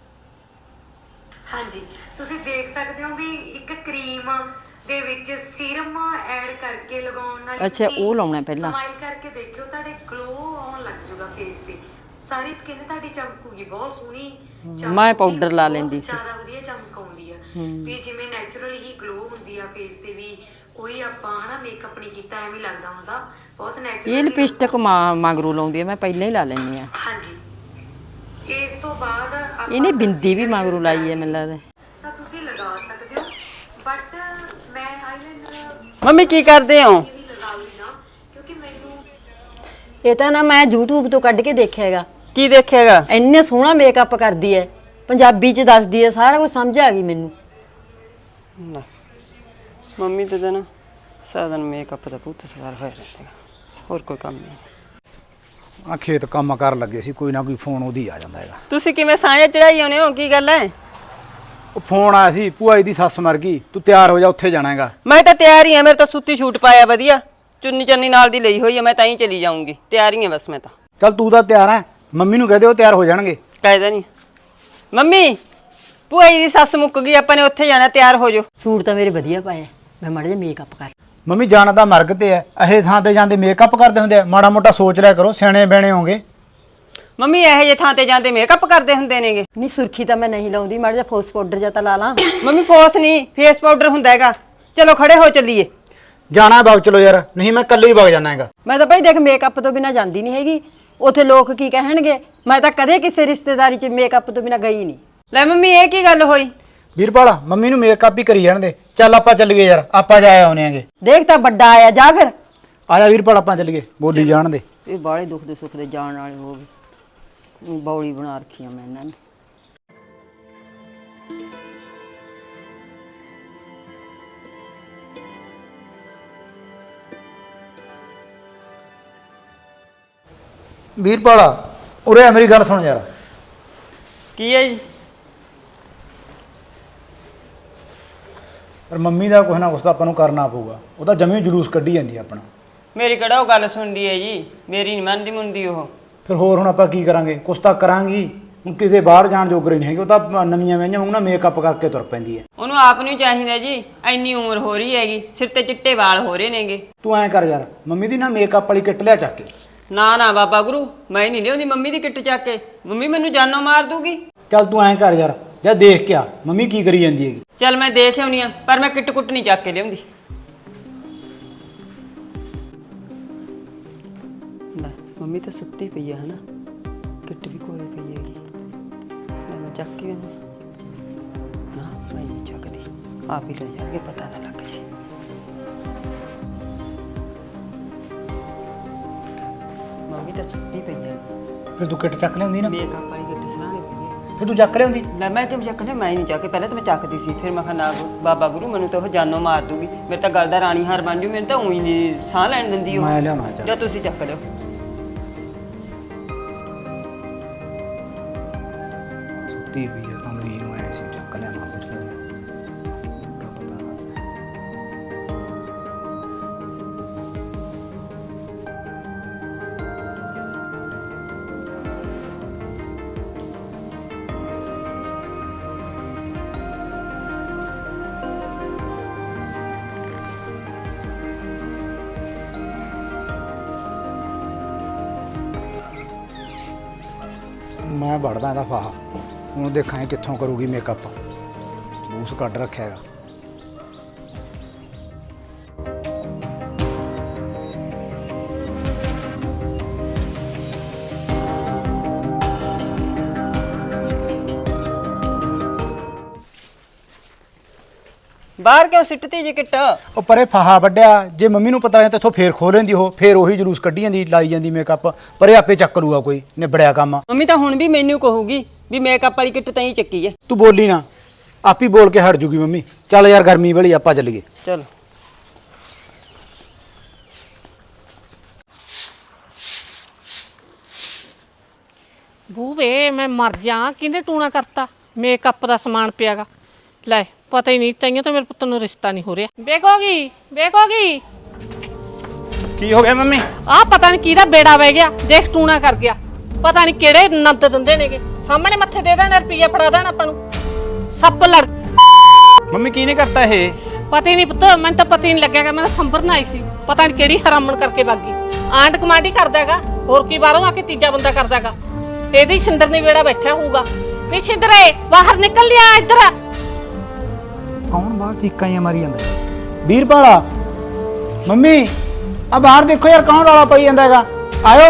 S9: ਹਾਂਜੀ, ਤੁਸੀਂ ਦੇਖ ਸਕਦੇ ਹੋ ਵੀ ਇੱਕ ਕਰੀਮ ਦੇ ਵਿੱਚ ਸੀਰਮ ਐਡ ਕਰਕੇ ਲਗਾਉਣ ਨਾਲ
S1: ਅੱਛਾ, ਉਹ ਲਾਉਣਾ ਪਹਿਲਾਂ।
S9: ਸਮਾਈਲ ਕਰਕੇ ਦੇਖਿਓ, ਤੁਹਾਡੇ ਗਲੋ ਆਉਣ ਲੱਗ ਜਾਊਗਾ ਫੇਸ ਤੇ। ਸਾਰੀ ਸਕਿਨ ਤੁਹਾਡੀ ਚਮਕੂਗੀ, ਬਹੁਤ ਸੋਹਣੀ ਚਮਕੂਗੀ।
S1: ਮੈਂ ਪਾਊਡਰ ਲਾ ਲੈਂਦੀ ਸੀ।
S9: ਜ਼ਿਆਦਾ ਵਧੀਆ ਚਮਕ ਆਉਂਦੀ ਆ ਵੀ ਜਿਵੇਂ ਨੈਚੁਰਲ ਹੀ ਗਲੋ ਹੁੰਦੀ ਆ ਫੇਸ ਤੇ ਵੀ। ਕੋਈ ਆਪਾਂ ਹਨਾ ਮੇਕਅਪ ਨਹੀਂ ਕੀਤਾ ਐਵੇਂ ਲੱਗਦਾ ਹੁੰਦਾ, ਬਹੁਤ ਨੈਚੁਰਲ।
S1: ਇਹ ਲਿਪਸਟਿਕ ਮਗਰੋਂ ਲਾਉਂਦੀ ਆ, ਮੈਂ ਪਹਿਲਾਂ ਹੀ ਲਾ ਲੈਂਦੀ ਆ।
S9: ਹਾਂਜੀ, ਇਸ ਤੋਂ ਬਾਅਦ ਆਪਾਂ
S1: ਇਹਨੇ ਬਿੰਦੀ ਵੀ ਮਗਰੋਂ ਲਾਈ ਹੈ ਮੈਨੂੰ ਲੱਗਦਾ।
S9: ਤਾਂ ਤੁਸੀਂ ਲਗਾ ਸਕਦੇ ਹੋ, ਬਟ ਮੈਂ ਆਈਲਾਈਨਰ
S4: ਮੰਮੀ ਕੀ ਕਰਦੇ ਹੋ?
S9: ਵੀ ਲਗਾਉਗੀ ਨਾ, ਕਿਉਂਕਿ ਮੈਨੂੰ
S10: ਇਹ ਤਾਂ ਨਾ ਮੈਂ YouTube ਤੋਂ ਕੱਢ ਕੇ ਦੇਖਿਆ ਹੈਗਾ।
S4: ਕੀ ਦੇਖਿਆਗਾ?
S10: ਇੰਨੇ ਸੋਹਣਾ ਮੇਕਅਪ ਕਰਦੀ ਹੈ, ਪੰਜਾਬੀ ਚ ਦੱਸਦੀ ਹੈ, ਸਾਰਾ ਕੁਝ ਸਮਝ ਆ ਗਈ ਮੈਨੂੰ।
S4: ਮੰਮੀ ਤੇ ਨਾ ਸਾਧਨ ਮੇਕਅਪ ਦਾ ਪੁੱਤ ਸਵਾਰ ਹੋਇਆ ਰਹਿੰਦਾ, ਹੋਰ ਕੋਈ ਕੰਮ ਨਹੀਂ।
S5: ਆ ਖੇਤ ਕੰਮ ਕਰਨ ਲੱਗੇ ਸੀ, ਕੋਈ ਨਾ ਕੋਈ ਫੋਨ ਉਹਦੀ ਆ ਜਾਂਦਾ ਹੈਗਾ।
S4: ਤੁਸੀਂ ਕਿਵੇਂ ਸਾਂਝਾ ਚੜਾਈ ਆਉਨੇ ਹੋ? ਕੀ ਗੱਲ ਹੈ?
S5: ਉਹ ਫੋਨ ਆਇਆ ਸੀ, ਭੂਆ ਜੀ ਦੀ ਸੱਸ ਮਰ ਗਈ, ਤੂੰ ਤਿਆਰ ਹੋ ਜਾ, ਉੱਥੇ ਜਾਣਾ ਹੈਗਾ।
S4: ਮੈਂ ਤਾਂ ਤਿਆਰ ਹੀ ਹਾਂ, ਮੇਰੇ ਤਾਂ ਸੁੱਤੀ ਛੂਟ ਪਾਇਆ ਵਧੀਆ, ਚੁੰਨੀ ਚੰਨੀ ਨਾਲ ਦੀ ਲਈ ਹੋਈ ਹੈ, ਮੈਂ ਤਾਂ ਹੀ ਚਲੀ ਜਾਊਂਗੀ। ਤਿਆਰ ਹੀ ਹਾਂ ਬਸ ਮੈਂ ਤਾਂ।
S5: ਚੱਲ ਤੂੰ ਤਾਂ ਤਿਆਰ ਹੈ, ਮੰਮੀ ਨੂੰ ਕਹਿ ਦੇ ਉਹ ਤਿਆਰ ਹੋ ਜਾਣਗੇ।
S4: ਕਾਇਦਾ ਨਹੀਂ। ਮੰਮੀ ਭੂਆ ਜੀ ਦੀ ਸੱਸ ਮੁੱਕ ਗਈ, ਆਪਾਂ ਨੇ ਉੱਥੇ ਜਾਣਾ, ਤਿਆਰ ਹੋ ਜਾਓ।
S10: ਸੂਟ ਤਾਂ ਮੇਰੇ ਵਧੀਆ ਪਾਇਆ, ਮੈਂ ਮਾੜਾ ਜਿਹਾ ਮੇਕਅਪ ਕਰ।
S5: ਮੰਮੀ ਜਾਣਾ ਤਾਂ ਮਰਗ ਤੇ ਹੈ, ਇਹ ਥਾਂ ਤੇ ਜਾਂਦੇ ਮੇਕਅਪ ਕਰਦੇ ਹੁੰਦੇ ਆ, ਮਾੜਾ ਮੋਟਾ ਸੋਚ ਲਿਆ ਕਰੋ, ਸਿਆਣੇ ਬਹਿਣੇ ਹੋਗੇ।
S4: ਮੰਮੀ ਇਹੋ ਜਿਹੇ ਥਾਂ ਤੇ ਜਾਂਦੇ ਮੇਕਅਪ ਕਰਦੇ ਹੁੰਦੇ ਨੇਗੇ।
S10: ਨਹੀਂ ਸੁਰਖੀ ਤਾਂ ਮੈਂ ਨਹੀਂ ਲਾਉਂਦੀ, ਮਾੜਾ ਜਿਹਾ ਫੋਸ ਪਾਊਡਰ ਜਾਂ ਤਾਂ ਲਾ ਲਾਂ।
S4: ਮੰਮੀ ਫੋਸ ਨਹੀਂ, ਫੇਸ ਪਾਊਡਰ ਹੁੰਦਾ ਹੈਗਾ। ਚਲੋ ਖੜੇ ਹੋ ਚੱਲੀਏ।
S5: ਜਾਣਾ ਵਗ ਚਲੋ ਯਾਰ, ਨਹੀਂ ਮੈਂ ਇਕੱਲੇ ਹੀ ਵਗ ਜਾਣਾ ਹੈਗਾ।
S10: ਮੈਂ ਤਾਂ ਭਾਈ ਦੇਖ ਮੇਕਅਪ ਤੋਂ ਬਿਨਾ ਜਾਂਦੀ ਨਹੀਂ ਹੈਗੀ, ਉੱਥੇ ਲੋਕ ਕੀ ਕਹਿਣਗੇ। ਮੈਂ ਤਾਂ ਕਦੇ ਕਿਸੇ ਰਿਸ਼ਤੇਦਾਰੀ 'ਚ ਮੇਕਅਪ ਤੋਂ ਬਿਨਾ ਗਈ ਨਹੀਂ।
S4: ਲੈ ਮੰਮੀ ਇਹ ਕੀ ਗੱਲ ਹੋਈ?
S5: ਵੀਰਪਾਲ ਮੰਮੀ ਨੂੰ ਮੇਕਅਪ ਹੀ ਕਰੀ ਜਾਣ ਦੇ। ਚੱਲ ਆਪਾਂ ਚੱਲੀਏ ਯਾਰ, ਆਪਾਂ ਜਾ ਆਉਨੇ ਆਂਗੇ।
S10: ਦੇਖ ਤਾਂ ਵੱਡਾ ਆਇਆ, ਜਾ ਫਿਰ।
S5: ਆ ਜਾ ਵੀਰਪਾਲ, ਆਪਾਂ ਚੱਲੀਏ, ਬੋਲੀ ਜਾਣ ਦੇ।
S10: ਇਹ ਬਾਲੇ ਦੁੱਖ ਦੇ ਸੁੱਖ ਦੇ ਜਾਣ ਵਾਲੇ ਹੋ ਗਏ, ਬੌਲੀ ਬਣਾ ਰੱਖੀ ਆ ਮੈਂ ਇਹਨਾਂ ਨੇ।
S5: ਵੀਰਪਾਲ ਉਰੇ ਆ ਮੇਰੀ ਗੱਲ ਸੁਣ ਯਾਰ।
S4: ਕੀ ਹੈ ਜੀ?
S5: ਪਰ ਮੰਮੀ ਦਾ ਕੁਛ ਨਾ ਕੁਛ ਤਾਂ ਆਪਾਂ ਨੂੰ ਕਰਨਾ ਪਊਗਾ। ਉਹ ਤਾਂ ਜਮੀ ਜਲੂਸ ਕੱਢੀ ਜਾਂਦੀ ਆ ਆਪਣਾ।
S4: ਮੇਰੀ ਕਿਹੜਾ ਉਹ ਗੱਲ ਸੁਣਦੀ ਹੈ ਜੀ? ਮੇਰੀ ਨਹੀਂ ਮੰਨਦੀ ਮੁੰਦੀ ਉਹ।
S5: ਫਿਰ ਹੋਰ ਹੁਣ ਆਪਾਂ ਕੀ ਕਰਾਂਗੇ? ਕੁਛ ਤਾਂ ਕਰਾਂਗੀ। ਹੁਣ ਕਿਸੇ ਬਾਹਰ ਜਾਣ ਜੋਗਰੇ ਨਹੀਂ ਹੈਗੇ। ਉਹ ਤਾਂ ਨਵੀਆਂ ਵਹੀਆਂ ਵਾਂਗੂ ਨਾ ਮੇਕਅਪ ਕਰਕੇ ਤੁਰ ਪੈਂਦੀ ਹੈ।
S4: ਉਹਨੂੰ ਆਪ ਨੂੰ ਚਾਹੀਦਾ ਜੀ, ਇੰਨੀ ਉਮਰ ਹੋ ਰਹੀ ਹੈਗੀ, ਸਿਰ ਤੇ ਚਿੱਟੇ ਵਾਲ ਹੋ ਰਹੇ ਨੇਗੇ।
S5: ਤੂੰ ਐਂ ਕਰ ਯਾਰ, ਮੰਮੀ ਦੀ ਨਾ ਮੇਕਅਪ ਵਾਲੀ ਕਿੱਟ ਲਿਆ ਚੱਕ ਕੇ।
S4: ਨਾ ਨਾ ਬਾਬਾ ਗੁਰੂ, ਮੈਂ ਨਹੀਂ ਲਿਆਉਂਦੀ ਮੰਮੀ ਦੀ ਕਿੱਟ ਚੱਕ ਕੇ। ਮੰਮੀ ਮੈਨੂੰ ਜਾਨੋਂ ਮਾਰ ਦੂਗੀ।
S5: ਚੱਲ ਤੂੰ ਐਂ ਕਰ ਯਾਰ, ਜਾਂ ਦੇਖ ਕੇ ਆ ਮੰਮੀ ਕੀ ਕਰੀ ਜਾਂਦੀ ਹੈਗੀ।
S4: ਚੱਲ ਮੈਂ ਦੇਖ ਆਉਣੀ ਆ, ਪਰ ਮੈਂ ਕਿੱਟ ਕੁੱਟ ਨਹੀਂ ਚੱਕ ਕੇ ਲਿਆਉਂਦੀ। ਲੈ ਮੰਮੀ ਤਾਂ ਸੁੱਤੀ ਪਈ ਆ ਹਨਾ, ਕਿੱਟ ਵੀ ਕੋਲੇ ਪਈ ਹੈਗੀ। ਲੈ ਮੈਂ ਚੱਕ ਕੇ ਨਾ, ਮੈਂ ਨਹੀਂ ਚੱਕਦੀ, ਆਪ ਹੀ ਲੈ ਜਾਣਗੇ, ਪਤਾ ਨਾ ਲੱਗ ਜਾਏ। ਮੰਮੀ ਤਾਂ ਸੁੱਤੀ ਪਈ ਹੈ।
S5: ਫਿਰ ਤੂੰ ਕਿੱਟ ਚੱਕ ਲਿਆਉਂਦੀ ਨਾ।
S4: ਮੇਕਅਪ ਵਾਲੀ ਕਿੱਟ ਸਰਾਣੇ ਪਈ ਹੈ।
S5: ਫਿਰ ਤੂੰ ਚੱਕ ਲਿਆਉਂਦੀ।
S4: ਲੈ ਮੈਂ ਕਿਉਂ ਚੱਕਨੇ? ਮੈਂ ਨਹੀਂ ਚੱਕੇ, ਪਹਿਲਾਂ ਤਾਂ ਮੈਂ ਚੱਕਦੀ ਸੀ, ਫਿਰ ਮੈਂ ਕਿਹਾ ਨਾ ਬਾਬਾ ਗੁਰੂ ਮੈਨੂੰ ਤਾਂ ਉਹ ਜਾਨੋਂ ਮਾਰ ਦੂਗੀ, ਮੇਰੇ ਤਾਂ ਗੱਲ ਦਾ ਰਾਣੀ ਹਾਰ ਬਣ ਜੂ, ਮੈਨੂੰ ਤਾਂ ਉਹੀ ਨਹੀਂ ਸਾਹ ਲੈਣ ਦਿੰਦੀ ਉਹ।
S5: ਮੈਂ ਲਿਆਉਣਾ ਚੱਲ।
S4: ਜਾਂ ਤੁਸੀਂ ਚੱਕ ਲਿਓ।
S5: ਸੁੱਤੀ ਪਈ ਹੈ ਕਮਲੀ ਨੂੰ ਐ ਸੀ ਚੱਕ ਲਿਆਵਾਂ ਕੁਝ ਕਰ ਪਤਾ ਨਾ। ਮੈਂ ਵੜਦਾ ਇਹਦਾ ਫਾਹਾ। ਹੁਣ ਦੇਖਾਂ ਇਹ ਕਿੱਥੋਂ ਕਰੂਗੀ ਮੇਕਅਪ। ਜਲੂਸ ਕੱਢ ਰੱਖਿਆ ਹੈਗਾ।
S4: ਬਾਹਰ ਕਿਉਂ ਸਿੱਟਤੀ ਜੀ ਕਿੱਟ?
S5: ਉਹ ਪਰੇ ਫਾਹਾ ਵੱਢਿਆ। ਜੇ ਮੰਮੀ ਨੂੰ ਪਤਾ ਹੈ ਤਾਂ ਇੱਥੋਂ ਫੇਰ ਖੋਲ ਲੈਂਦੀ ਉਹ, ਫੇਰ ਉਹੀ ਜਲੂਸ ਕੱਢੀ ਜਾਂਦੀ, ਲਾਈ ਜਾਂਦੀ ਮੇਕਅਪ। ਪਰੇ ਆਪੇ ਚੱਕ ਲੂਗਾ ਕੋਈ, ਨਿਬੜਿਆ ਕੰਮ।
S4: ਮੰਮੀ ਤਾਂ ਹੁਣ ਵੀ ਮੈਨੂੰ ਕਹੂਗੀ ਵੀ ਮੇਕਅਪ ਵਾਲੀ ਕਿੱਟ ਤਾਂ ਹੀ ਚੱਕੀ ਹੈ।
S5: ਤੂੰ ਬੋਲੀ ਨਾ, ਆਪ ਹੀ ਬੋਲ ਕੇ ਹਟ ਜੂਗੀ ਮੰਮੀ। ਚੱਲ ਯਾਰ ਗਰਮੀ ਵਾਲੀ ਆਪਾਂ ਚੱਲੀਏ।
S4: ਚਲ
S2: ਬੂਵੇ ਮੈਂ ਮਰ ਜਾ, ਕਿਹਨੇ ਟੂਣਾ ਕਰਤਾ? ਮੇਕਅਪ ਦਾ ਸਮਾਨ ਪਿਆਗਾ। ਲੈ ਪਤਾ ਹੀ ਨਹੀਂ, ਤਾਈਆਂ ਤਾਂ ਮੇਰੇ ਪੁੱਤ ਨੂੰ ਰਿਸ਼ਤਾ ਨਹੀਂ ਹੋ ਰਿਹਾ। ਵੇਖੋਗੀ ਵੇਖੋਗੀ,
S3: ਕੀ ਹੋ ਗਿਆ ਮੰਮੀ?
S2: ਆਹ ਪਤਾ ਨਹੀਂ ਕਿਹਦਾ ਬੇੜਾ ਵਹਿ ਗਿਆ, ਦੇਖ ਟੂਣਾ ਕਰ ਗਿਆ। ਪਤਾ ਨਹੀਂ ਕਿਹੜੇ ਨੰਦ ਦਿੰਦੇ ਨੇਗੇ, ਸਾਹਮਣੇ ਮੱਥੇ ਦੇ ਦੇਣ, ਰੁਪਈਆ ਫੜਾ ਦੇਣ ਆਪਾਂ ਨੂੰ। ਸੱਪ ਲੜ
S3: ਮੰਮੀ ਕੀ ਨੇ ਕਰਤਾ ਇਹ?
S2: ਪਤਾ ਹੀ ਨਹੀਂ ਪੁੱਤ, ਮੈਨੂੰ ਤਾਂ ਪਤਾ ਹੀ ਨਹੀਂ ਲੱਗਿਆਗਾ। ਮੈਂ ਤਾਂ ਸੰਭਰਨ ਆਈ ਸੀ, ਪਤਾ ਨਹੀਂ ਕਿਹੜੀ ਹਰਾਮਣ ਕਰਕੇ ਬਾਗੀ। ਆਂਡ ਕਮਾਂਡੀ ਕਰਦਾ ਹੈਗਾ, ਹੋਰ ਕੀ ਬਾਹਰੋਂ ਆ ਕੇ ਤੀਜਾ ਬੰਦਾ ਕਰਦਾ ਹੈਗਾ। ਇਹਦੀ ਸਿੰਦਰ ਨੇ ਵੇੜਾ ਬੈਠਾ ਹੋਊਗਾ। ਨਹੀਂ ਸਿੰਦਰੇ ਬਾਹਰ ਨਿਕਲ ਲਿਆ ਇੱਧਰ।
S5: ਕੌਣ ਬਾਹਰ ਚੀਕਾਂ ਜਿਹੀਆਂ ਮਾਰੀ ਜਾਂਦਾ? ਵੀਰਪਾਲਾ ਮੰਮੀ ਆ ਬਾਹਰ ਦੇਖੋ ਯਾਰ, ਕੌਣ ਰੌਲਾ ਪਾਈ ਜਾਂਦਾ ਹੈਗਾ। ਆਇਓ।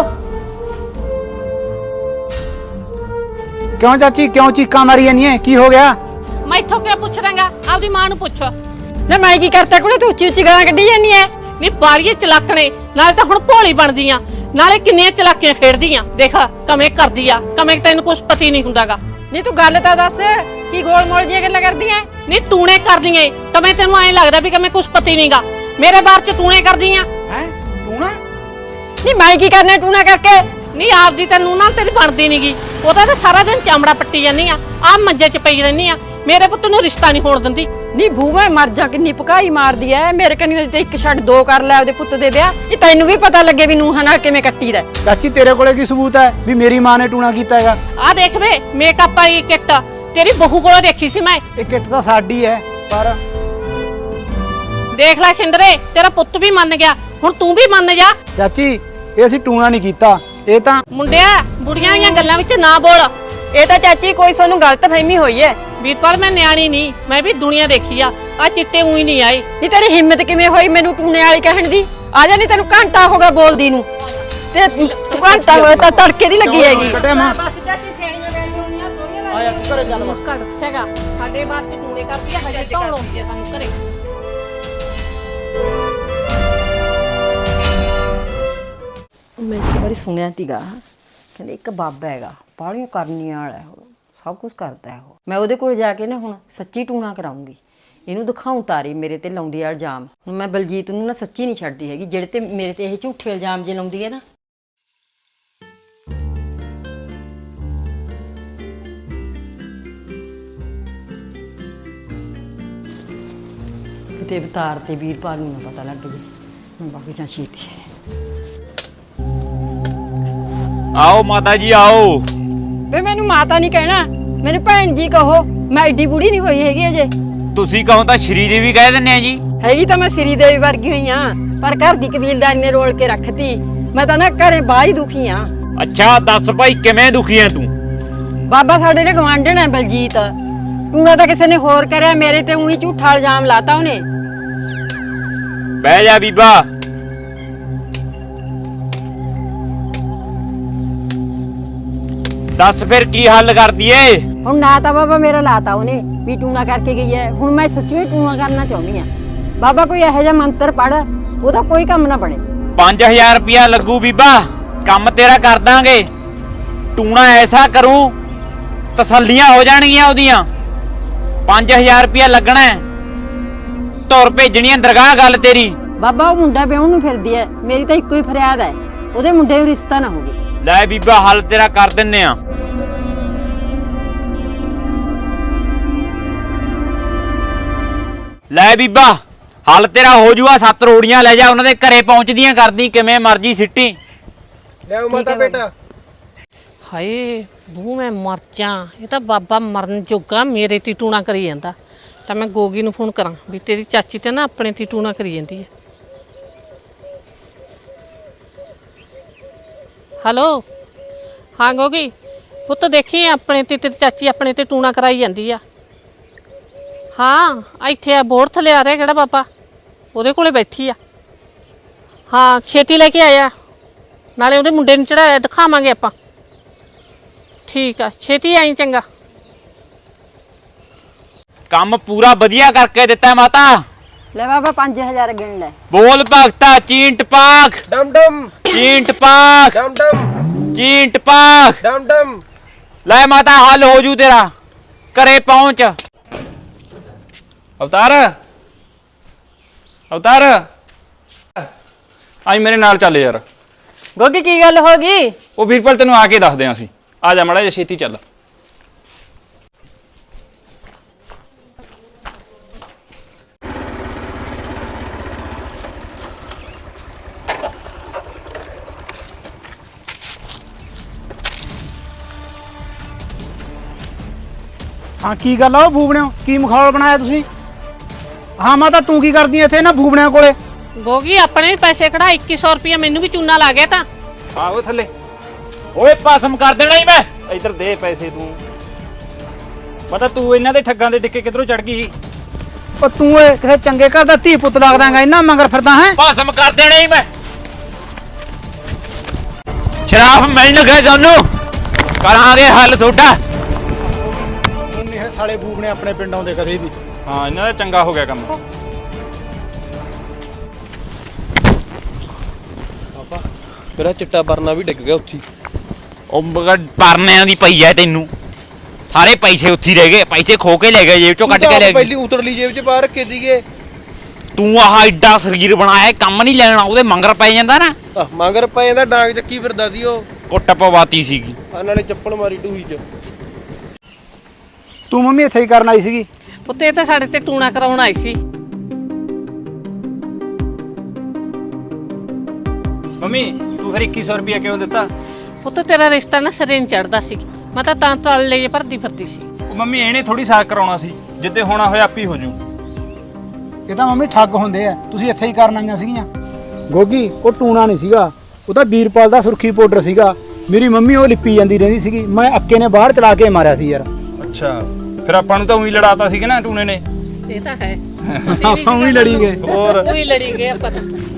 S5: ਕਿਉਂ ਚਾਚੀ, ਕਿਉਂ ਚੀਕਾਂ ਮਾਰੀ ਜਾਂਦੀਆਂ? ਕੀ ਹੋ ਗਿਆ?
S2: ਮੈਂ ਇੱਥੋਂ ਕਿਉਂ ਪੁੱਛ ਰਾਂਗਾ? ਆਪਦੀ ਮਾਂ ਨੂੰ ਪੁੱਛ।
S10: ਨਾ ਮੈਂ ਕੀ ਕਰਤਾ ਕੁੜੇ, ਤੂੰ ਉੱਚੀ ਉੱਚੀ ਗਾਲਾਂ ਕੱਢੀ ਜਾਂਦੀ ਐ।
S2: ਨਹੀਂ ਬਾਰੀਏ ਚਲਾਕਣੇ, ਨਾਲੇ ਤਾਂ ਹੁਣ ਭੋਲੀ ਬਣਦੀਆਂ, ਨਾਲੇ ਕਿੰਨੀਆਂ ਚਲਾਕੀਆਂ ਖੇਡਦੀਆਂ। ਦੇਖ ਕਮੇ ਕਰਦੀ ਆ, ਕਮੇ ਤੈਨੂੰ ਕੁਝ ਪਤੀ ਨਹੀਂ ਹੁੰਦਾਗਾ।
S10: ਨਹੀਂ ਤੂੰ ਗੱਲ ਤਾਂ ਦੱਸ, ਕੀ ਗੋਲ ਮੋਲ ਜੀਆਂ ਗੱਲਾਂ ਕਰਦੀ ਐ?
S2: ਨਹੀਂ ਟੂਣੇ ਕਰਦੀਆਂ, ਕਮੇ ਤੈਨੂੰ ਐਂ ਲੱਗਦਾ ਵੀ ਕਮੇ ਕੁਝ ਪਤੀ ਨਹੀਂਗਾ। ਮੇਰੇ ਬਾਰ ਚ ਟੂਣੇ ਕਰਦੀਆਂ।
S5: ਹੈ ਟੂਣਾ?
S10: ਨਹੀਂ ਮੈਂ ਕੀ ਕਰਨਾ ਟੂਣਾ ਕਰਕੇ?
S2: ਨਹੀਂ ਆਪਦੀ ਤੈਨੂੰ ਨਾ ਤੇਰੀ ਬਣਦੀ ਨਹੀਂਗੀ। ਉਹਦਾ ਤਾਂ ਸਾਰਾ ਦਿਨ ਚਾਮੜਾ ਪੱਟੀ ਜਾਂਦੀ ਆ, ਆਹ ਮੰਜੇ 'ਚ ਪਈ ਰਹਿੰਦੀ ਆ। ਮੇਰੇ ਪੁੱਤ ਨੂੰ ਰਿਸ਼ਤਾ ਨਹੀਂ ਹੋਣ ਦਿੰਦੀ।
S10: ਨਹੀਂ ਬੂ ਮੈਂ ਮਰ ਜਾ, ਕਿੰਨੀ ਭਕਾਈ ਮਾਰਦੀ ਐ। ਮੇਰੇ ਕੰਨੀ ਤੇ ਇੱਕ ਛੱਡ ਦੋ ਕਰ ਲੈ ਉਹਦੇ ਪੁੱਤ ਦੇ ਵਿਆਹ। ਇਹ ਤੈਨੂੰ ਵੀ ਪਤਾ ਲੱਗੇ ਵੀ ਨੂੰਹਾਂ ਨਾਲ ਕਿਵੇਂ ਕੱਟੀਦਾ।
S5: ਚਾਚੀ ਤੇਰੇ ਕੋਲੇ ਕੀ ਸਬੂਤ ਹੈ ਵੀ ਮੇਰੀ ਮਾਂ ਨੇ ਟੂਣਾ ਕੀਤਾ ਹੈਗਾ?
S2: ਆਹ ਦੇਖ ਵੇ ਮੇਕਅਪ ਵਾਲੀ ਕਿੱਟ ਤੇਰੀ ਬਹੂ ਕੋਲੋਂ ਦੇਖੀ ਸੀ ਮੈਂ।
S5: ਇਹ ਕਿੱਟ ਤਾਂ ਸਾਡੀ ਹੈ, ਪਰ
S2: ਦੇਖ ਲੈ ਸਿੰਦਰੇ, ਤੇਰਾ ਪੁੱਤ ਵੀ ਮੰਨ ਗਿਆ, ਹੁਣ ਤੂੰ ਵੀ ਮੰਨ ਜਾ।
S5: ਚਾਚੀ ਇਹ ਅਸੀਂ ਟੂਣਾ ਨਹੀਂ ਕੀਤਾ, ਇਹ ਤਾਂ
S2: ਮੁੰਡਿਆ ਬੁੜੀਆਂ ਦੀਆਂ ਗੱਲਾਂ ਵਿੱਚ ਨਾ ਬੋਲ।
S10: ਇਹ ਤਾਂ ਚਾਚੀ ਕੋਈ ਤੁਹਾਨੂੰ ਗਲਤਫਹਿਮੀ ਹੋਈ ਐ।
S2: ਵੀਰਪਾਲ ਮੈਂ ਨਿਆਣੀ ਨਹੀਂ, ਮੈਂ ਵੀ ਦੁਨੀਆ ਦੇਖੀ ਆ ਚਿੱਟੇ ਉਹੀ ਨਹੀਂ ਆਏ।
S10: ਨਹੀਂ ਤੇਰੀ ਹਿੰਮਤ ਕਿਵੇਂ ਹੋਈ ਮੈਨੂੰ ਟੂਣੇ ਵਾਲੀ ਕਹਿਣ ਦੀ? ਆ ਜਾ, ਨਹੀਂ ਤੈਨੂੰ ਘੰਟਾ ਹੋ ਗਿਆ ਬੋਲਦੀ ਨੂੰ, ਤੇ ਤੂੰ ਘੰਟਾ ਹੋਇਆ ਤਾਂ ਤੜਕੇ ਦੀ ਲੱਗੀ ਹੈਗੀ।
S5: ਕੱਟਿਆ ਮਾਂ।
S10: ਬਸ ਚਾਚੀ ਸੇਣੀਆਂ ਗਾਲੀਆਂ ਹੁੰਦੀਆਂ ਸੋਹਣੀਆਂ
S5: ਆਇਆ ਤੂੰ ਘਰੇ ਚੱਲ ਬਸ।
S2: ਘੜ ਹੈਗਾ ਸਾਡੇ ਬਾਤ ਤੇ ਟੂਣੇ ਕਰਦੀ ਆ, ਹਜੇ ਧੌਣ ਆਉਂਦੀ ਆ ਸਾਨੂੰ ਘਰੇ।
S1: ਮੈਂ ਇੱਕ ਵਾਰੀ ਸੁਣਿਆ ਸੀਗਾ, ਕਹਿੰਦੇ ਇੱਕ ਬਾਬਾ ਹੈਗਾ, ਬਾਹਲੀਆਂ ਕਰਨੀਆਂ ਵਾਲਾ ਉਹ, ਸਭ ਕੁਝ ਕਰਦਾ ਹੈ ਉਹ। ਮੈਂ ਉਹਦੇ ਕੋਲ ਜਾ ਕੇ ਨਾ ਹੁਣ ਸੱਚੀ ਟੂਣਾ ਕਰਾਉਂਗੀ, ਇਹਨੂੰ ਦਿਖਾਉਂ ਤਾਰੀ ਮੇਰੇ ਤੇ ਲਾਉਂਦੀ ਆ ਇਲਜ਼ਾਮ। ਹੁਣ ਮੈਂ ਬਲਜੀਤ ਨੂੰ ਨਾ ਸੱਚੀ ਨਹੀਂ ਛੱਡਦੀ ਹੈਗੀ, ਜਿਹੜੇ ਤੇ ਮੇਰੇ ਤੇ ਇਹ ਝੂਠੇ ਇਲਜ਼ਾਮ ਜੇ ਲਾਉਂਦੀ ਹੈ ਨਾ। ਤੇ ਅਵਤਾਰ ਤੇ ਵੀਰਪਾਲ ਨੂੰ ਨਾ ਪਤਾ ਲੱਗ ਜੇ। ਹੁਣ ਬਾਕੀ ਜਾਂ ਛੇਤੀ
S7: ਆਓ ਮਾਤਾ ਜੀ ਆਓ।
S10: ਵੇ ਮੈਨੂੰ ਮਾਤਾ ਨਹੀਂ ਕਹਿਣਾ, ਮੈਨੂੰ ਭੈਣ ਜੀ ਕਹੋ। ਮੈਂ ਐਡੀ ਬੁੜੀ ਨਹੀਂ ਹੋਈ ਹੈਗੀ ਅਜੇ।
S7: ਤੁਸੀਂ ਕਹੋ ਤਾਂ ਸ਼੍ਰੀ ਦੇਵੀ ਕਹਿ ਦਿੰਨੇ ਆ ਜੀ।
S10: ਹੈਗੀ ਤਾਂ ਮੈਂ ਸ੍ਰੀ ਦੇਵੀ ਵਰਗੀ ਹੋਈ ਆ, ਪਰ ਘਰ ਦੀ ਕਬੀਲਦਾਰੀ ਨੇ ਰੋਲ ਕੇ ਰੱਖਤੀ। ਮੈਂ ਤਾਂ ਨਾ ਘਰੇ ਬਾਹਰ ਹੀ ਦੁਖੀ ਆ।
S7: ਅੱਛਾ ਦੱਸ ਭਾਈ ਕਿਵੇਂ ਦੁਖੀ ਐ ਤੂੰ?
S10: ਬਾਬਾ ਸਾਡੇ ਨੇ ਗਵਾਂਢਣ ਹੈ ਬਲਜੀਤ, ਟੂਣਾ ਤਾਂ ਕਿਸੇ ਨੇ ਹੋਰ ਕਰਿਆ, ਮੇਰੇ ਤੇ ਉਹੀ ਝੂਠਾ ਇਲਜ਼ਾਮ ਲਾਤਾ ਉਹਨੇ।
S7: ਬਹਿ ਜਾ ਬੀਬਾ। ਦੱਸ ਫਿਰ ਕੀ ਹੱਲ ਕਰਦੀ ਏ?
S10: ਹੁਣ ਨਾ ਤਾਂ ਬਾਬਾ ਮੇਰਾ ਲਾਤਾ ਉਹਨੇ ਵੀ ਟੂਣਾ ਕਰਕੇ ਗਈ ਹੈ। ਹੁਣ ਮੈਂ ਸੱਚੀ ਟੂਣਾ ਕਰਨਾ ਚਾਹੁੰਦੀ ਆ। ਬਾਬਾ ਕੋਈ ਇਹੋ ਜਿਹਾ ਮੰਤਰ ਪੜ ਉਹਦਾ ਕੋਈ ਕੰਮ ਨਾ ਬਣੇ।
S7: 5000 ਰੁਪਇਆ ਲੱਗੂ ਬੀਬਾ, ਕੰਮ ਤੇਰਾ ਕਰ ਦਾਂਗੇ। ਟੂਣਾ ਐਸਾ ਕਰੂੰ ਤਸੱਲੀਆਂ ਹੋ ਜਾਣਗੀਆਂ ਉਹਦੀਆਂ। 5000 ਰੁਪਇਆ ਲੱਗਣਾ ਹੈ। ਤੁਰ ਭੇਜਣੀਆਂ ਦਰਗਾਹ ਗੱਲ ਤੇਰੀ।
S10: ਬਾਬਾ ਉਹ ਮੁੰਡਾ ਵਿਆਹਣ ਨੂੰ ਫਿਰਦੀ ਹੈ, ਮੇਰੀ ਤਾਂ ਇੱਕੋ ਹੀ ਫਰਿਆਦ ਹੈ, ਉਹਦੇ ਮੁੰਡੇ ਨੂੰ ਰਿਸ਼ਤਾ ਨਾ ਹੋਵੇ।
S7: ਲੈ ਬੀਬਾ ਹੱਲ ਤੇਰਾ ਕਰ ਦਿੰਨੇ ਆ। ਲੈ ਬੀਬਾ ਹੱਲ ਤੇਰਾ ਹੋ ਜੂਆ। 7 ਰੋੜੀਆਂ ਲੈ ਜਾ, ਉਹਨਾਂ ਦੇ ਘਰੇ ਪਹੁੰਚਦੀਆਂ ਕਰਦੀ ਕਿਵੇਂ ਮਰਜੀ ਸਿੱਟੀ।
S8: ਲਿਆਓ ਮਾਤਾ ਬੇਟਾ।
S2: ਹਾਏ ਬੂ ਮੈਂ ਮਰ ਜਾ। ਇਹ ਤਾਂ ਬਾਬਾ ਮਰਨ ਜੋਗਾ ਮੇਰੇ ਤੇ ਟੂਣਾ ਕਰੀ ਜਾਂਦਾ। ਤਾਂ ਮੈਂ ਗੋਗੀ ਨੂੰ ਫੋਨ ਕਰਾਂ ਵੀ ਤੇਰੀ ਚਾਚੀ ਤੇ ਨਾ ਆਪਣੇ ਤੇ ਟੂਣਾ ਕਰੀ ਜਾਂਦੀ ਹੈ। ਹੈਲੋ ਹਾਂ ਗੋਗੀ ਪੁੱਤ, ਦੇਖੀ ਆਪਣੇ ਤੇ ਤੇਰੀ ਚਾਚੀ ਆਪਣੇ ਤੇ ਟੂਣਾ ਕਰਾਈ ਜਾਂਦੀ ਆ। ਹਾਂ ਇੱਥੇ ਆ ਬੋਰਡ ਥੱਲੇ ਆ ਰਿਹਾ ਕਿਹੜਾ ਬਾਬਾ, ਉਹਦੇ ਕੋਲੇ ਬੈਠੀ ਆ। ਹਾਂ ਛੇਤੀ ਲੈ ਕੇ ਆਇਆ, ਨਾਲੇ ਉਹਦੇ ਮੁੰਡੇ ਨੂੰ ਚੜਾਇਆ ਦਿਖਾਵਾਂਗੇ ਆਪਾਂ। ਠੀਕ ਆ ਛੇਤੀ ਆਈ ਚੰਗਾ।
S7: ਕੰਮ ਪੂਰਾ ਵਧੀਆ ਕਰਕੇ ਦਿੱਤਾ ਮਾਤਾ।
S10: ਲੈ ਬਾਬਾ 5000 ਗਿਣ ਲੈ।
S7: ਬੋਲ ਭਗਤਾ ਚੀਂਟ ਪਾਕ
S8: ਡਮ ਡਮ
S7: ਚੀਂਟ ਪਾਕ
S8: ਡਮ ਡਮ
S7: ਚੀਂਟ ਪਾਕ।
S8: ਡਮ ਡਮ।
S7: ਲੈ ਮਾਤਾ ਹੱਲ ਹੋ ਜੂ ਤੇਰਾ, ਘਰੇ ਪਹੁੰਚ।
S3: ਅਵਤਾਰ ਅਵਤਾਰ ਆਈ ਮੇਰੇ ਨਾਲ ਚੱਲ ਯਾਰ।
S10: ਗੋਗੀ ਕੀ ਗੱਲ ਹੋ ਗਈ?
S3: ਉਹ ਵੀਰਪਾਲ ਤੈਨੂੰ ਆ ਕੇ ਦੱਸਦੇ ਆਂ ਅਸੀਂ। ਆ ਜਾ ਮਾੜਾ ਜਿਹਾ ਛੇਤੀ ਚੱਲ।
S5: ਹਾਂ ਕੀ ਗੱਲ ਆ ਉਹ ਬੂਬਣਿਓ, ਕੀ ਮਖੌਲ ਬਣਾਇਆ ਤੁਸੀਂ? ਹਾਂ ਮਾਤਾ ਤੂੰ ਕੀ ਕਰਦੀ ਐ ਇੱਥੇ ਨਾ ਬੂਬਣਿਆਂ ਕੋਲੇ?
S2: ਗੋਗੀ ਆਪਣੇ ਵੀ ਪੈਸੇ ਕਢਾ 2100 ਰੁਪਇਆ ਮੈਨੂੰ ਵੀ ਚੂਨਾ ਲਾ ਗਿਆ ਤਾਂ।
S3: ਆਓ ਥੱਲੇ।
S7: ਓਏ ਪਾਸਮ ਕਰ ਦੇਣਾ ਹੀ ਮੈਂ।
S3: ਇੱਧਰ ਦੇ ਪੈਸੇ ਤੂੰ। ਪਤਾ ਤੂੰ ਇਹਨਾਂ ਦੇ ਠੱਗਾਂ ਦੇ ਡਿੱਕੇ ਕਿਧਰੋਂ ਚੜ ਗਈ?
S5: ਉਹ ਤੂੰ ਏ ਕਿਸੇ ਚੰਗੇ ਘਰ ਦਾ ਧੀ ਪੁੱਤ ਲੱਗਦਾਗਾ, ਇੰਨਾ ਮੰਗਰ ਫਿਰਦਾ ਹੈ।
S7: ਪਾਸਮ ਕਰ ਦੇਣਾ ਹੀ ਮੈਂ। ਸ਼ਰਾਬ ਮਿਲਣ ਗਏ ਸਾਨੂੰ, ਕਰਾਂਗੇ ਹੱਲ ਤੁਹਾਡਾ।
S5: ਹੁਣ ਇਹ ਸਾਲੇ ਬੂਬਣੇ ਆਪਣੇ ਪਿੰਡ ਆਉਂਦੇ ਕਦੇ ਵੀ।
S3: ਹਾਂ ਇਹਨਾਂ ਦਾ ਚੰਗਾ ਹੋ ਗਿਆ ਕੰਮ।
S8: ਮੇਰਾ ਚਿੱਟਾ ਪਰਨਾ ਵੀ ਡਿੱਗ ਗਿਆ ਉੱਥੇ।
S7: ਉਹ ਪਰਨਿਆਂ ਦੀ ਪਈ ਐ ਤੈਨੂੰ। ਸਾਰੇ ਪੈਸੇ ਉੱਥੇ ਰਹਿ ਗਏ, ਪੈਸੇ ਖੋ ਕੇ ਲੈ ਗਏ, ਜੇਬ ਚੋਂ ਕੱਢ ਕੇ ਲੈ ਗਏ।
S8: ਪਹਿਲੀ ਉਤਰਲੀ ਜੇਬ 'ਚ ਪਾ ਰੱਖੇ ਸੀਗੇ।
S7: ਤੂੰ ਆਹ ਐਡਾ ਸਰੀਰ ਬਣਾਇਆ, ਕੰਮ ਨਹੀਂ ਲੈਣਾ, ਉਹਦੇ ਮੰਗਰ ਪੈ ਜਾਂਦਾ ਨਾ।
S8: ਮਗਰ ਪੈ ਜਾਂਦਾ, ਡਾਂਗ ਚੱਕੀ ਫਿਰਦਾ ਸੀ ਉਹ।
S7: ਕੁੱਟ ਪਵਾਤੀ ਸੀਗੀ।
S8: ਆ ਨਾਲੇ ਚੱਪਲ ਮਾਰੀ ਟੂਹੀ 'ਚ।
S5: ਤੂੰ ਮੰਮੀ ਇੱਥੇ ਹੀ ਕਰਨ ਆਈ ਸੀਗੀ?
S2: ਪੁੱਤ ਇਹ ਤਾਂ ਸਾਡੇ ਤੇ ਟੂਣਾ ਕਰਾਉਣ ਆਈ ਸੀ।
S3: ਮੰਮੀ ਤੂੰ ਫਿਰ 2100 ਰੁਪਇਆ ਕਿਉਂ ਦਿੱਤਾ?
S2: ਪੁੱਤ ਤੇਰਾ ਰਿਸ਼ਤਾ ਨਾ ਸਿਰੇ ਨਹੀਂ ਚੜਦਾ ਸੀ, ਮੈਂ ਤਾਂ ਤਲ ਲਈ ਭਰਦੀ ਫਿਰਦੀ ਸੀ।
S3: ਉਹ ਮੰਮੀ ਇਹਨੇ ਥੋੜੀ ਸਾਕ ਕਰਾਉਣਾ ਸੀ, ਜਿੱਦੇ ਹੋਣਾ ਹੋਇਆ ਆਪੀ ਹੋ ਜੂ।
S5: ਇਹ ਤਾਂ ਮੰਮੀ ਠੱਗ ਹੁੰਦੇ ਆ, ਤੁਸੀਂ ਇੱਥੇ ਹੀ ਕਰਨ ਆਈਆਂ ਸੀਗੀਆਂ। ਗੋਗੀ ਉਹ ਟੂਣਾ ਨਹੀਂ ਸੀਗਾ, ਉਹ ਤਾਂ ਵੀਰਪਾਲ ਦਾ ਸੁਰਖੀ ਪਾਊਡਰ ਸੀਗਾ। ਮੇਰੀ ਮੰਮੀ ਉਹ ਲਿਪੀ ਜਾਂਦੀ ਰਹਿੰਦੀ ਸੀਗੀ, ਮੈਂ ਅੱਕੇ ਨੇ ਬਾਹਰ ਚਲਾ ਕੇ ਮਾਰਿਆ ਸੀ ਯਾਰ।
S3: ਅੱਛਾ ਫਿਰ ਆਪਾਂ ਨੂੰ ਤਾਂ ਉਹੀ ਲੜਾਤਾ ਸੀ ਕਿ ਨਾ ਟੂਨੇ ਨੇ।
S2: ਇਹ ਤਾਂ ਹੈ
S5: ਆਪਾਂ ਵੀ ਲੜੀ ਗਏ।
S3: ਹੋਰ
S2: ਉਹੀ ਲੜੀ ਗਏ ਆਪਾਂ ਤਾਂ।